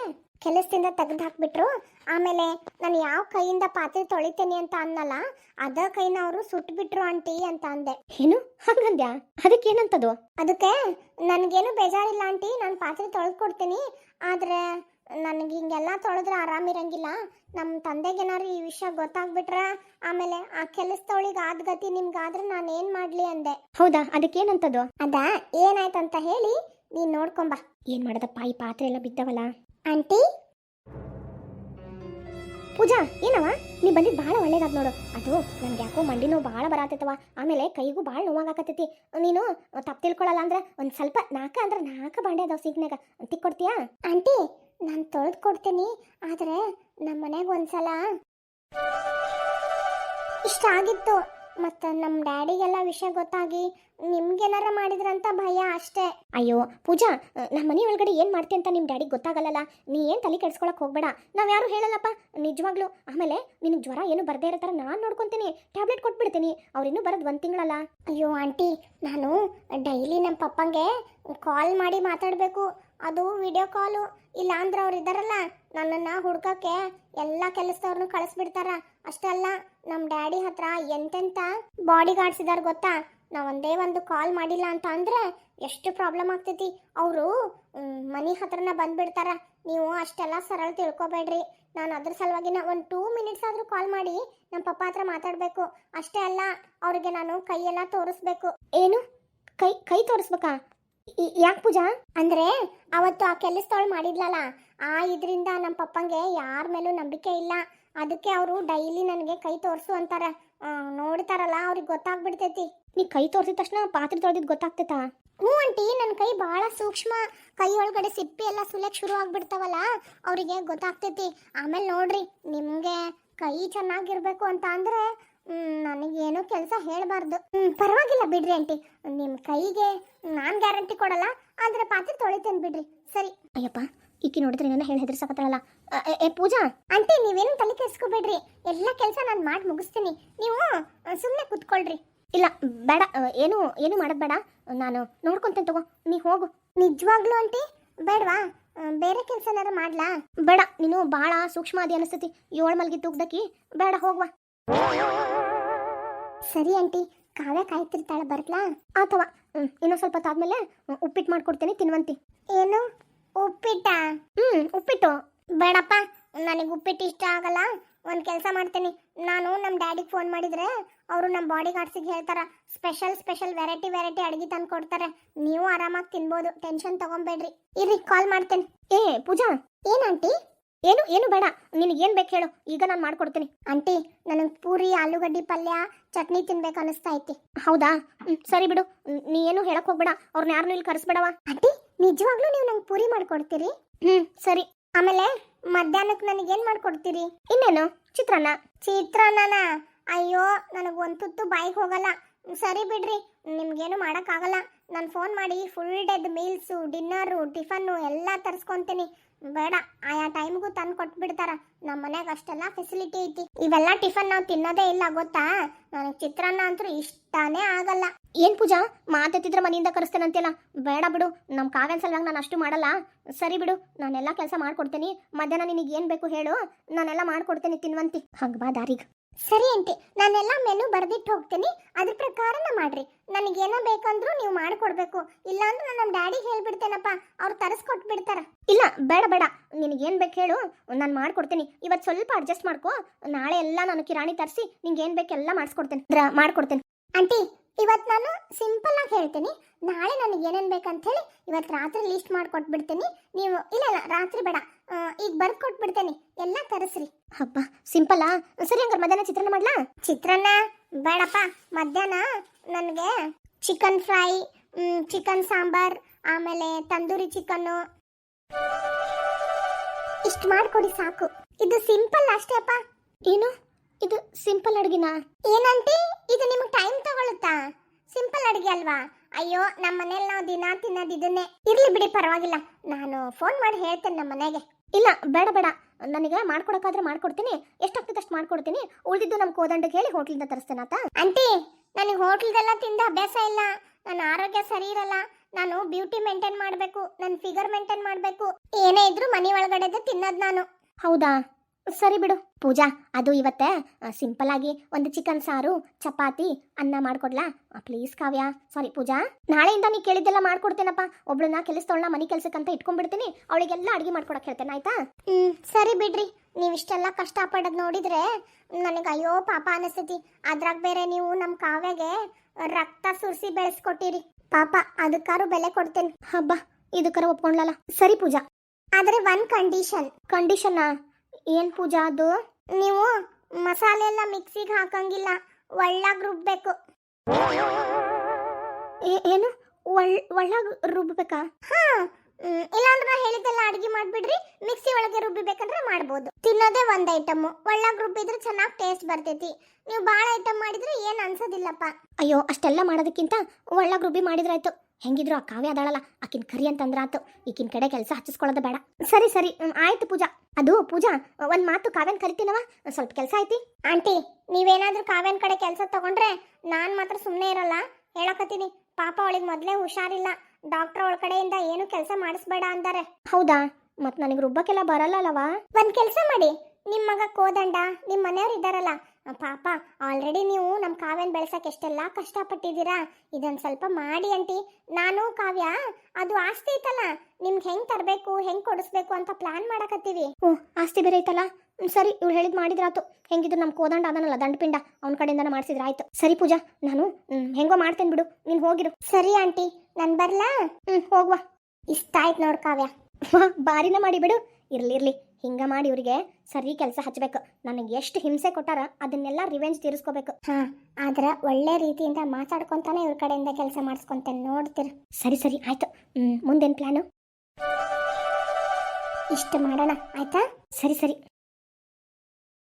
ಕೆಲಸದಿಂದ ತೆಗೆದು ಹಾಕ್ಬಿಟ್ರು. ಆಮೇಲೆ ನಾನು ಯಾವ ಕೈಯಿಂದ ಪಾತ್ರೆ ತೊಳಿತೇನೆ ಅಂತ ಅನ್ನಲ್ಲ, ಅದ ಕೈನ ಅವರು ಸುಟ್ಬಿಟ್ರು ಆಂಟಿ ಅಂತ ಅಂದೆ. ಏನು ಹಂಗಂದ್ಯಾ? ಅದಕ್ಕೇನಂತದು? ಅದಕ್ಕೆ ನನಗೇನು ಬೇಜಾರಿಲ್ಲ ಆಂಟಿ, ನಾನು ಪಾತ್ರೆ ತೊಳೆದು ಕೊಡ್ತೀನಿ. ಆದರೆ ನನಗೆ ಹಿಂಗೆಲ್ಲ ತೊಳೆದ್ರೆ ಆರಾಮಿರಂಗಿಲ್ಲ. ನಮ್ಮ ತಂದೆಗೇನಾರು ಈ ವಿಷಯ ಗೊತ್ತಾಗ್ಬಿಟ್ರ ಆಮೇಲೆ ಆ ಕೆಲಸದವಳಿಗೆ ಆದ ಗತಿ ನಿಮ್ಗಾದ್ರೆ ನಾನು ಏನು ಮಾಡಲಿ ಅಂದೆ. ಹೌದಾ, ಅದಕ್ಕೇನಂತದು? ಅದ ಏನಾಯ್ತಂತ ಹೇಳಿ ನೀನು ನೋಡ್ಕೊಂಬ. ಏನ್ ಮಾಡದಪ್ಪ, ಈ ಪಾತ್ರೆ ಎಲ್ಲ ಬಿದ್ದವಲ್ಲ. ಆಂಟಿ ಪೂಜಾ, ಏನವ ನೀ ಬಂದಿದ್ದು ಭಾಳ ಒಳ್ಳೇದಾದ ನೋಡು. ಅದು ನನ್ಗೆ ಯಾಕೋ ಮಂಡಿ ನೋವು ಭಾಳ ಬರತ್ತೈತವ, ಆಮೇಲೆ ಕೈಗೂ ಭಾಳ ನೋವಾಗತ್ತೈತಿ. ನೀನು ತಪ್ಪು ತಿಳ್ಕೊಳಲ್ಲ ಅಂದ್ರೆ ಒಂದು ಸ್ವಲ್ಪ ನಾಲ್ಕ ಅಂದ್ರೆ ನಾಲ್ಕು ಬಾಂಡೆ ಅದಾವ ಸಿಗ್ನಾಗ, ತಿಕ್ಕೊಡ್ತೀಯಾ? ಆಂಟಿ ನಾನು ತೊಳೆದು ಕೊಡ್ತೀನಿ, ಆದರೆ ನಮ್ಮ ಮನೆಗೆ ಒಂದ್ಸಲ ಇಷ್ಟ ಆಗಿತ್ತು. ಮತ್ತು ನಮ್ಮ ಡ್ಯಾಡಿಗೆಲ್ಲ ವಿಷಯ ಗೊತ್ತಾಗಿ ನಿಮ್ಗೇನಾರ ಮಾಡಿದ್ರಂತ ಭಯ ಅಷ್ಟೇ. ಅಯ್ಯೋ ಪೂಜಾ, ನಮ್ಮ ಮನೆ ಒಳಗಡೆ ಏನು ಮಾಡ್ತಿ ಅಂತ ನಿಮ್ಮ ಡ್ಯಾಡಿಗೆ ಗೊತ್ತಾಗಲ್ಲಲ್ಲ. ನೀ ಏನು ತಲೆ ಕೆಡ್ಸ್ಕೊಳಕ್ಕೆ ಹೋಗ್ಬೇಡ, ನಾವು ಯಾರು ಹೇಳಲ್ಲಪ್ಪ ನಿಜವಾಗ್ಲೂ. ಆಮೇಲೆ ನಿನಗೆ ಜ್ವರ ಏನು ಬರದೇ ಇರೋ ಥರ ನಾನು ನೋಡ್ಕೊತೀನಿ, ಟ್ಯಾಬ್ಲೆಟ್ ಕೊಟ್ಬಿಡ್ತೀನಿ. ಅವ್ರಿನ್ನೂ ಬರೋದು ಒಂದು ತಿಂಗಳಲ್ಲ. ಅಯ್ಯೋ ಆಂಟಿ, ನಾನು ಡೈಲಿ ನಮ್ಮ ಪಪ್ಪಂಗೆ ಕಾಲ್ ಮಾಡಿ ಮಾತಾಡಬೇಕು, ಅದು ವಿಡಿಯೋ ಕಾಲು. ಇಲ್ಲ ಅಂದ್ರೆ ಅವ್ರು ಇದ್ದಾರಲ್ಲ, ನನ್ನನ್ನು ಹುಡ್ಕಕ್ಕೆ ಎಲ್ಲ ಕೆಲಸದವ್ರನ್ನೂ ಕಳಿಸ್ಬಿಡ್ತಾರ. ಅಷ್ಟೇ ಅಲ್ಲ, ನಮ್ಮ ಡ್ಯಾಡಿ ಹತ್ರ ಎಂತೆಂಥ ಬಾಡಿ ಗಾರ್ಡ್ಸ್ ಇದ್ದಾರೆ ಗೊತ್ತಾ. ನಾವು ಒಂದೇ ಒಂದು ಕಾಲ್ ಮಾಡಿಲ್ಲ ಅಂತ ಅಂದರೆ ಎಷ್ಟು ಪ್ರಾಬ್ಲಮ್ ಆಗ್ತೈತಿ. ಅವರು ಮನೆ ಹತ್ರನ ಬಂದುಬಿಡ್ತಾರ. ನೀವು ಅಷ್ಟೆಲ್ಲ ಸರಳ ತಿಳ್ಕೊಬೇಡ್ರಿ. ನಾನು ಅದ್ರ ಸಲುವಾಗಿನ ಒಂದು ಟೂ ಮಿನಿಟ್ಸ್ ಆದರೂ ಕಾಲ್ ಮಾಡಿ ನಮ್ಮ ಪಪ್ಪ ಹತ್ರ ಮಾತಾಡಬೇಕು. ಅಷ್ಟೇ ಅಲ್ಲ, ಅವ್ರಿಗೆ ನಾನು ಕೈಯೆಲ್ಲ ತೋರಿಸ್ಬೇಕು. ಏನು ಕೈ ಕೈ ತೋರಿಸ್ಬೇಕಾ? ಯಾಕೆ ಪೂಜಾ? ಅಂದ್ರೆ ಅವತ್ತು ಆ ಕೆಲಸದವಳು ಮಾಡಿದ್ಲಲ್ಲ, ಆ ಇದರಿಂದ ನಮ್ಮ ಪಪ್ಪಂಗೆ ಯಾರ ಮೇಲೂ ನಂಬಿಕೆ ಇಲ್ಲ. ಅದಕ್ಕೆ ಅವರು ಡೈಲಿ ನನಗೆ ಕೈ ತೋರಿಸು ಅಂತಾರೆ. ನೋಡ್ತಾರಲ್ಲ, ಅವ್ರಿಗೆ ಗೊತ್ತಾಗ್ಬಿಡ್ತೈತಿ. ನೀ ಕೈ ತೋರಿಸಿದ ತಕ್ಷಣ ಪಾತ್ರೆ ತೊಳೆದಿದ್ದು ಗೊತ್ತಾಗ್ತೈತಾ? ಹ್ಞೂ ಆಂಟಿ, ನನ್ನ ಕೈ ಭಾಳ ಸೂಕ್ಷ್ಮ. ಕೈ ಒಳಗಡೆ ಸಿಪ್ಪಿ ಎಲ್ಲ ಸುಲಿಯಕ್ಕೆ ಶುರು ಆಗ್ಬಿಡ್ತಾವಲ್ಲ, ಅವರಿಗೆ ಗೊತ್ತಾಗ್ತೈತಿ. ಆಮೇಲೆ ನೋಡ್ರಿ, ನಿಮಗೆ ಕೈ ಚೆನ್ನಾಗಿರ್ಬೇಕು ಅಂತ ಅಂದರೆ ನನಗೇನು ಕೆಲಸ ಹೇಳಬಾರ್ದು. ಹ್ಞೂ ಪರವಾಗಿಲ್ಲ ಬಿಡ್ರಿ ಆಂಟಿ, ನಿಮ್ಮ ಕೈಗೆ ನಾನು ಗ್ಯಾರಂಟಿ ಕೊಡಲ್ಲ, ಆದರೆ ಪಾತ್ರೆ ತೊಳಿತೇನೆ ಬಿಡ್ರಿ. ಸರಿ. ಅಯ್ಯಪ್ಪ, ಈಕಿ ನೋಡಿದ್ರೆ ನನ್ನ ಹೇಳಿ ಹೆದರ್ಸಕತ್ತಾಳಲ್ಲ. ಏ ಪೂಜಾ ಆಂಟಿ, ನೀವೇನು ತಲೆ ಕೆಡಿಸ್ಕೋಬೇಡ್ರಿ, ಎಲ್ಲ ಕೆಲಸ ನಾನು ಮಾಡಿ ಮುಗಿಸ್ತೀನಿ. ನೀವು ಸುಮ್ಮನೆ ಕೂತ್ಕೊಳ್ರಿ. ಇಲ್ಲ ಬೇಡ, ಏನು ಏನು ಮಾಡೋದು ಬೇಡ, ನಾನು ನೋಡ್ಕೊಂತೇನೆ ತಗೋ, ನೀ ಹೋಗು. ನಿಜವಾಗ್ಲೂ ಆಂಟಿ ಬೇಡವಾ? ಬೇರೆ ಕೆಲಸನಾರ ಮಾಡ್ಲಾ? ಬೇಡ, ನೀನು ಭಾಳ ಸೂಕ್ಷ್ಮ ಅದಿ ಅನಿಸ್ತೈತಿ. ಏಳು ಮಲ್ಗಿ ತೂಗ್ದಕ್ಕಿ, ಬೇಡ ಹೋಗ್ವಾ. ಸರಿ ಆಂಟಿ, ಕಾವ್ಯ ಕಾಯ್ತಿರ್ತಾಳೆ, ಬರ್ಲಾ? ಅಥವಾ ಇನ್ನೊಂದು ಸ್ವಲ್ಪ ಹೊತ್ತಾದ್ಮೇಲೆ ಉಪ್ಪಿಟ್ಟು ಮಾಡ್ಕೊಡ್ತೇನೆ, ತಿನ್ವಂತಿ. ಏನು ಉಪ್ಪಿಟ್ಟ? ಹ್ಞೂ ಉಪ್ಪಿಟ್ಟು ಬೇಡಪ್ಪ, ನನಗೆ ಉಪ್ಪಿಟ್ಟು ಇಷ್ಟ ಆಗಲ್ಲ. ಒಂದು ಕೆಲಸ ಮಾಡ್ತೀನಿ, ನಾನು ನಮ್ಮ ಡ್ಯಾಡಿಗೆ ಫೋನ್ ಮಾಡಿದರೆ ಅವರು ನಮ್ಮ ಬಾಡಿ ಗಾರ್ಡ್ಸಿಗೆ ಹೇಳ್ತಾರೆ, ಸ್ಪೆಷಲ್ ಸ್ಪೆಷಲ್ ವೆರೈಟಿ ವೆರೈಟಿ ಅಡುಗೆ ತಂದು ಕೊಡ್ತಾರೆ. ನೀವು ಆರಾಮಾಗಿ ತಿನ್ಬೋದು, ಟೆನ್ಷನ್ ತಗೊಂಬೇಡ್ರಿ. ಇರ್ರಿ, ಕಾಲ್ ಮಾಡ್ತೇನೆ. ಏ ಪೂಜಾ, ಏನಂಟಿ? ಏನು ಏನು ಬೇಡ, ನಿನಗೇನು ಬೇಕು ಹೇಳು, ಈಗ ನಾನು ಮಾಡ್ಕೊಡ್ತೀನಿ. ಆಂಟಿ, ನನಗೆ ಪೂರಿ ಆಲೂಗಡ್ಡೆ ಪಲ್ಯ ಚಟ್ನಿ ತಿನ್ಬೇಕು ಅನಿಸ್ತಾ ಐತಿ. ಹೌದಾ? ಸರಿ ಬಿಡು, ನೀ ಏನು ಹೇಳಕ್ ಹೋಗ್ಬೇಡ, ಅವ್ರನ್ನ ಯಾರನ್ನೂ ಇಲ್ಲಿ ಕರೆಸ್ಬೇಡವ. ಆಂಟಿ, ನಿಜವಾಗ್ಲೂ ನೀವು ನಂಗೆ ಪೂರಿ ಮಾಡ್ಕೊಡ್ತೀರಿ? ಹ್ಞೂ ಸರಿ. ಆಮೇಲೆ ಮಧ್ಯಾಹ್ನಕ್ಕೆ ನನಗೇನು ಮಾಡ್ಕೊಡ್ತೀರಿ? ಇನ್ನೇನು, ಚಿತ್ರಾನ್ನ. ಚಿತ್ರಾನ್ನನ? ಅಯ್ಯೋ, ನನಗೆ ಒಂದು ತುತ್ತು ಬಾಯಿಗೆ ಹೋಗಲ್ಲ. ಸರಿ ಬಿಡ್ರಿ, ನಿಮ್ಗೇನು ಮಾಡೋಕ್ಕಾಗಲ್ಲ. ನಾನು ಫೋನ್ ಮಾಡಿ full day meals, dinner, tiffin ಎಲ್ಲ ತರಿಸ್ಕೊತೀನಿ. ಬೇಡ, ಆಯಾ ಟೈಮ್ಗೂ ತಂದು ಕೊಟ್ಬಿಡ್ತಾರ. ನಮ್ಮ ಮನ್ಯಾಗ ಅಷ್ಟೆಲ್ಲ ಫೆಸಿಲಿಟಿ ಐತಿ. ಇವೆಲ್ಲ ಟಿಫನ್ ನಾವು ತಿನ್ನೋದೇ ಇಲ್ಲ ಗೊತ್ತಾ. ನನಗೆ ಚಿತ್ರಾನ್ನ ಅಂತೂ ಇಷ್ಟನೇ ಆಗಲ್ಲ. ಏನು ಪೂಜಾ, ಮಾತೆತ್ತಿದ್ರೆ ಮನೆಯಿಂದ ಕರೆಸ್ತೇನಂತೆಲ್ಲ. ಬೇಡ ಬಿಡು, ನಮ್ಮ ಕಾವ್ಯನ ಸಲುವಾಗಿ ನಾನು ಅಷ್ಟು ಮಾಡಲ್ಲ. ಸರಿ ಬಿಡು, ನಾನೆಲ್ಲ ಕೆಲಸ ಮಾಡ್ಕೊಡ್ತೀನಿ. ಮಧ್ಯಾಹ್ನ ನಿನಗೆ ಏನು ಬೇಕು ಹೇಳು, ನಾನೆಲ್ಲ ಮಾಡ್ಕೊಡ್ತೀನಿ, ತಿನ್ವಂತಿ. ಹಂಗೆ ಬಾ ದಾರಿಗೆ. ಸರಿ ಆಂಟಿ, ನಾನೆಲ್ಲ ಮೆನು ಬರೆದಿಟ್ಟು ಹೋಗ್ತೀನಿ, ಅದ್ರ ಪ್ರಕಾರನ ಮಾಡ್ರಿ. ನನಗೇನೋ ಬೇಕಂದ್ರೂ ನೀವು ಮಾಡಿಕೊಡ್ಬೇಕು. ಇಲ್ಲಾಂದ್ರೆ ನಾನು ನಮ್ಮ ಡ್ಯಾಡಿಗೆ ಹೇಳ್ಬಿಡ್ತೇನಪ್ಪ, ಅವ್ರು ತರಿಸ್ಕೊಟ್ಬಿಡ್ತಾರ. ಇಲ್ಲ ಬೇಡ ಬೇಡ, ನಿನಗೇನು ಬೇಕು ಹೇಳು, ನಾನು ಮಾಡ್ಕೊಡ್ತೀನಿ. ಇವತ್ತು ಸ್ವಲ್ಪ ಅಡ್ಜಸ್ಟ್ ಮಾಡ್ಕೊ, ನಾಳೆ ಎಲ್ಲ ನಾನು ಕಿರಾಣಿ ತರಿಸಿ ನಿಂಗೆ ಏನು ಬೇಕೆಲ್ಲ ಮಾಡಿಸ್ಕೊಡ್ತೇನೆ, ಮಾಡ್ಕೊಡ್ತೇನೆ. ಆಂಟಿ, ಇವತ್ತು ನಾನು ಸಿಂಪಲ್ ಆಗಿ ಹೇಳ್ತೀನಿ, ನಾಳೆ ನನಗೆ ಏನೇನು ಬೇಕಂತ ಹೇಳಿ ಇವತ್ತು ರಾತ್ರಿ ಲಿಸ್ಟ್ ಮಾಡಿಕೊಟ್ಬಿಡ್ತೀನಿ. ನೀವು ಇಲ್ಲ ಇಲ್ಲ ರಾತ್ರಿ ಬೇಡ, ಈಗ ಬರ್ದು ಕೊಟ್ಬಿಡ್ತೇನೆ, ಎಲ್ಲ ತರಿಸ್ರಿ. ಹಬ್ಬ ಸಿಂಪಲ್ಲಾ? ಸರಿ, ಹಂಗಾರೆ ಮಧ್ಯಾಹ್ನ ಚಿತ್ರಾನ್ನ ಮಾಡ್ಲಾ? ಚಿತ್ರಾನ್ನ ಬೇಡಪ್ಪ, ಮಧ್ಯಾಹ್ನ ನನಗೆ ಚಿಕನ್ ಫ್ರೈ, ಚಿಕನ್ ಸಾಂಬಾರ್, ಆಮೇಲೆ ತಂದೂರಿ ಚಿಕನ್ನು ಇಷ್ಟು ಮಾಡಿಕೊಡಿ ಸಾಕು. ಇದು ಸಿಂಪಲ್ ಅಷ್ಟೇ ಅಪ್ಪ. ಏನು ಇದು ಸಿಂಪಲ್ ಅಡುಗೆನಾ? ಏನಂಟಿ, ಇದು ನಿಮಗೆ ಟೈಮ್ ತಗೊಳುತ್ತಾ? ಸಿಂಪಲ್ ಅಡುಗೆ ಅಲ್ವಾ? ಅಯ್ಯೋ, ನಮ್ಮ ಮನೇಲಿ ನಾವು ದಿನ ತಿನ್ನೋದು ಇದನ್ನೇ. ಇರ್ಲಿ ಬಿಡಿ, ಪರವಾಗಿಲ್ಲ, ನಾನು ಫೋನ್ ಮಾಡಿ ಹೇಳ್ತೇನೆ ನಮ್ಮ ಮನೆಗೆ. ಇಲ್ಲ ಬೇಡ ಬೇಡ, ನನಗೆ ಮಾಡ್ಕೊಡಕ್ಕಾದ್ರೆ ಮಾಡ್ಕೊಡ್ತೀನಿ, ಎಷ್ಟಾಗ್ತದೆ ಅಷ್ಟು ಮಾಡ್ಕೊಡ್ತೀನಿ. ಉಳಿದಿದ್ದು ನಮ್ಮ ಕೋದಂಡಕ್ಕೆ ಹೇಳಿ ಹೋಟ್ಲಿಂದ ತರಿಸ್ತೇನೆ ಆತ. ಆಂಟಿ, ನನಗೆ ಹೋಟ್ಲದೆಲ್ಲ ತಿಂದ ಅಭ್ಯಾಸ ಇಲ್ಲ, ನನ್ನ ಆರೋಗ್ಯ ಸರಿ ಇರಲ್ಲ. ನಾನು ಬ್ಯೂಟಿ ಮೇಂಟೈನ್ ಮಾಡಬೇಕು, ನನ್ನ ಫಿಗರ್ ಮೇಂಟೈನ್ ಮಾಡಬೇಕು. ಏನೇ ಇದ್ರೂ ಮನೆ ಒಳಗಡೆದೆ ತಿನ್ನೋದು ನಾನು. ಹೌದಾ, ಸರಿ ಬಿಡು ಪೂಜಾ. ಅದು ಇವತ್ತೇ ಸಿಂಪಲ್ ಆಗಿ ಒಂದು ಚಿಕನ್ ಸಾರು, ಚಪಾತಿ, ಅನ್ನ ಮಾಡ್ಕೊಡ್ಲಾ ಪ್ಲೀಸ್ ಕಾವ್ಯ? ಸಾರಿ ಪೂಜಾ, ನಾಳೆಯಿಂದ ನೀ ಕೇಳಿದ್ದೆಲ್ಲ ಮಾಡ್ಕೊಡ್ತೇನಪ್ಪ. ಒಬ್ಳನ್ನ ಕೆಲಸದವಳನ್ನ ಮನೆ ಕೆಲ್ಸಕ್ಕಂತ ಇಟ್ಕೊಂಡ್ಬಿಡ್ತೀನಿ, ಅವಳಿಗೆಲ್ಲ ಅಡುಗೆ ಮಾಡ್ಕೊಡಕ್ಕೆ ಹೇಳ್ತೇನೆ, ಆಯ್ತಾ? ಹ್ಮ್ ಸರಿ ಬಿಡ್ರಿ. ನೀವಿಷ್ಟೆಲ್ಲ ಕಷ್ಟಪಡೋದು ನೋಡಿದ್ರೆ ನನಗೆ ಅಯ್ಯೋ ಪಾಪ ಅನಿಸ್ತೈತಿ. ಅದ್ರಾಗ ಬೇರೆ ನೀವು ನಮ್ಮ ಕಾವ್ಯಗೆ ರಕ್ತ ಸುರಿಸಿ ಬೆಳೆಸ್ಕೊಟ್ಟಿರಿ. ಪಾಪ ಅದಕ್ಕಾರು ಬೆಲೆ ಕೊಡ್ತೇನೆ. ಹಬ್ಬ, ಇದಕ್ಕರ ಒಪ್ಕೊಂಡ್ಲಲ್ಲ. ಸರಿ ಪೂಜಾ, ಆದ್ರೆ ಒಂದ್ ಕಂಡೀಷನ್. ಕಂಡೀಷನ್ ಏನ್ ಪೂಜಾ? ಅದು ನೀವು ಮಸಾಲೆ ಎಲ್ಲ ಮಿಕ್ಸಿಗೆ ಹಾಕಂಗಿಲ್ಲ, ಒಳ್ಳಾಗ್ ರುಬ್ಬೇಕು. ಏ- ಏನು ಒಳ್ ಒಳ್ಳಾಗ ರುಬ್ಬೇಕಾ? ಹಾ ಹ್ಮ್, ಇಲ್ಲಾಂದ್ರೆ ನಾ ಹೇಳಿದ್ದೆಲ್ಲ ಅಡಿಗೆ ಮಾಡ್ಬಿಡ್ರಿ. ಮಿಕ್ಸಿ ಒಳಗೆ ರುಬ್ಬಿಬೇಕಂದ್ರೆ ಮಾಡ್ಬೋದು. ತಿನ್ನೋದೇ ಒಂದ್ ಐಟಮ್, ಒಳ್ಳಾಗ್ ರುಬ್ಬಿದ್ರೆ ಚೆನ್ನಾಗಿ ಟೇಸ್ಟ್ ಬರ್ತೈತಿ. ನೀವು ಭಾಳ ಐಟಮ್ ಮಾಡಿದ್ರೆ ಏನ್ ಅನ್ಸೋದಿಲ್ಲಪ್ಪ. ಅಯ್ಯೋ, ಅಷ್ಟೆಲ್ಲ ಮಾಡೋದಕ್ಕಿಂತ ಒಳ್ಳಾಗ ರುಬ್ಬಿ ಮಾಡಿದ್ರಾಯ್ತು. ಹೆಂಗಿದ್ರು ಆ ಕಾವ್ಯ ಅದಾಳಲ್ಲ, ಆಕಿನ ಕರಿ ಅಂತಂದ್ರ ಆತು. ಈಕಿನ ಕಡೆ ಕೆಲಸ ಹಚ್ಚಿಸ್ಕೊಳ್ಳೋದು ಬೇಡ. ಸರಿ ಸರಿ ಹ್ಮ್, ಆಯ್ತು ಪೂಜಾ. ಅದು ಪೂಜಾ, ಒಂದ್ ಮಾತು ಕಾವ್ಯನ್ ಕರಿತೀನವ, ಸ್ವಲ್ಪ ಕೆಲಸ ಐತಿ. ಆಂಟಿ, ನೀವೇನಾದ್ರೂ ಕಾವ್ಯನ್ ಕಡೆ ಕೆಲಸ ತಗೊಂಡ್ರೆ ನಾನ್ ಮಾತ್ರ ಸುಮ್ಮನೆ ಇರಲ್ಲ. ಹೇಳಕತ್ತೀನಿ, ಪಾಪ ಅವಳಿಗೆ ಮೊದಲೇ ಹುಷಾರಿಲ್ಲ. ಡಾಕ್ಟರ್ ಅವಳ ಕಡೆಯಿಂದ ಏನು ಕೆಲಸ ಮಾಡಿಸ್ಬೇಡ ಅಂತಾರೆ. ಹೌದಾ? ಮತ್ ನನಗೆ ರುಬ್ಬಕ್ಕೆಲ್ಲ ಬರಲ್ಲವಾ? ಒಂದ್ ಕೆಲಸ ಮಾಡಿ, ನಿಮ್ ಮಗ ಕೋದಂಡ, ನಿಮ್ ಮನೆಯವ್ರು ಇದ್ದಾರಲ್ಲ, ಪಾಪ ಆಲ್ರೆಡಿ ನೀವು ನಮ್ಮ ಕಾವ್ಯನ್ ಬೆಳೆಸಕ್ಕೆ ಎಷ್ಟೆಲ್ಲ ಕಷ್ಟಪಟ್ಟಿದ್ದೀರಾ. ಇದೊಂದು ಸ್ವಲ್ಪ ಮಾಡಿ ಆಂಟಿ. ನಾನು ಕಾವ್ಯ ಅದು ಆಸ್ತಿ ಐತಲ್ಲ, ನಿಮ್ಗೆ ಹೆಂಗ್ ತರಬೇಕು, ಹೆಂಗ್ ಕೊಡಿಸ್ಬೇಕು ಅಂತ ಪ್ಲಾನ್ ಮಾಡಕತ್ತೀವಿ. ಓ, ಆಸ್ತಿ ಬೇರೆ ಐತಲ್ಲ. ಹ್ಮ್, ಸರಿ, ಇವಳು ಹೇಳಿದ್ ಮಾಡಿದ್ರಾತು. ಹೆಂಗಿದ್ರು ನಮ್ಮ ಕೋದಂಡ ಅದನ್ನಲ್ಲ ದಂಡಪಿಂಡ, ಅವನ ಕಡೆಯಿಂದನ ಮಾಡಿಸಿದ್ರ ಆಯ್ತು. ಸರಿ ಪೂಜಾ, ನಾನು ಹ್ಮ್, ಹೆಂಗೋ ಮಾಡ್ತೇನೆ ಬಿಡು, ನೀನ್ ಹೋಗಿರು. ಸರಿ ಆಂಟಿ, ನನ್ ಬರ್ಲಾ? ಹ್ಮ್, ಹೋಗ್ವಾ. ಇಷ್ಟ ಆಯ್ತು ನೋಡ್ ಕಾವ್ಯ. ಬಾರಿನ ಮಾಡಿ ಬಿಡು. ಇರ್ಲಿ ಇರ್ಲಿ, ಹಿಂಗ ಮಾಡಿ ಇವ್ರಿಗೆ ಸರಿ ಕೆಲಸ ಹಚ್ಬೇಕು. ನನಗೆ ಎಷ್ಟು ಹಿಂಸೆ ಕೊಟ್ಟಾರ ಅದನ್ನೆಲ್ಲ ರಿವೆಂಜ್ ತೀರಿಸ್ಕೋಬೇಕು. ಹಾ, ಆದ್ರ ಒಳ್ಳೆ ರೀತಿಯಿಂದ ಮಾತಾಡ್ಕೊಂತಾನೆ ಇವ್ರ ಕಡೆಯಿಂದ ಕೆಲಸ ಮಾಡಿಸ್ಕೊಂತೇನೆ, ನೋಡ್ತೀರ. ಸರಿ ಸರಿ ಆಯ್ತು. ಹ್ಮ್, ಮುಂದೇನ್ ಪ್ಲಾನು? ಇಷ್ಟು ಮಾಡೋಣ ಆಯ್ತಾ? ಸರಿ ಸರಿ.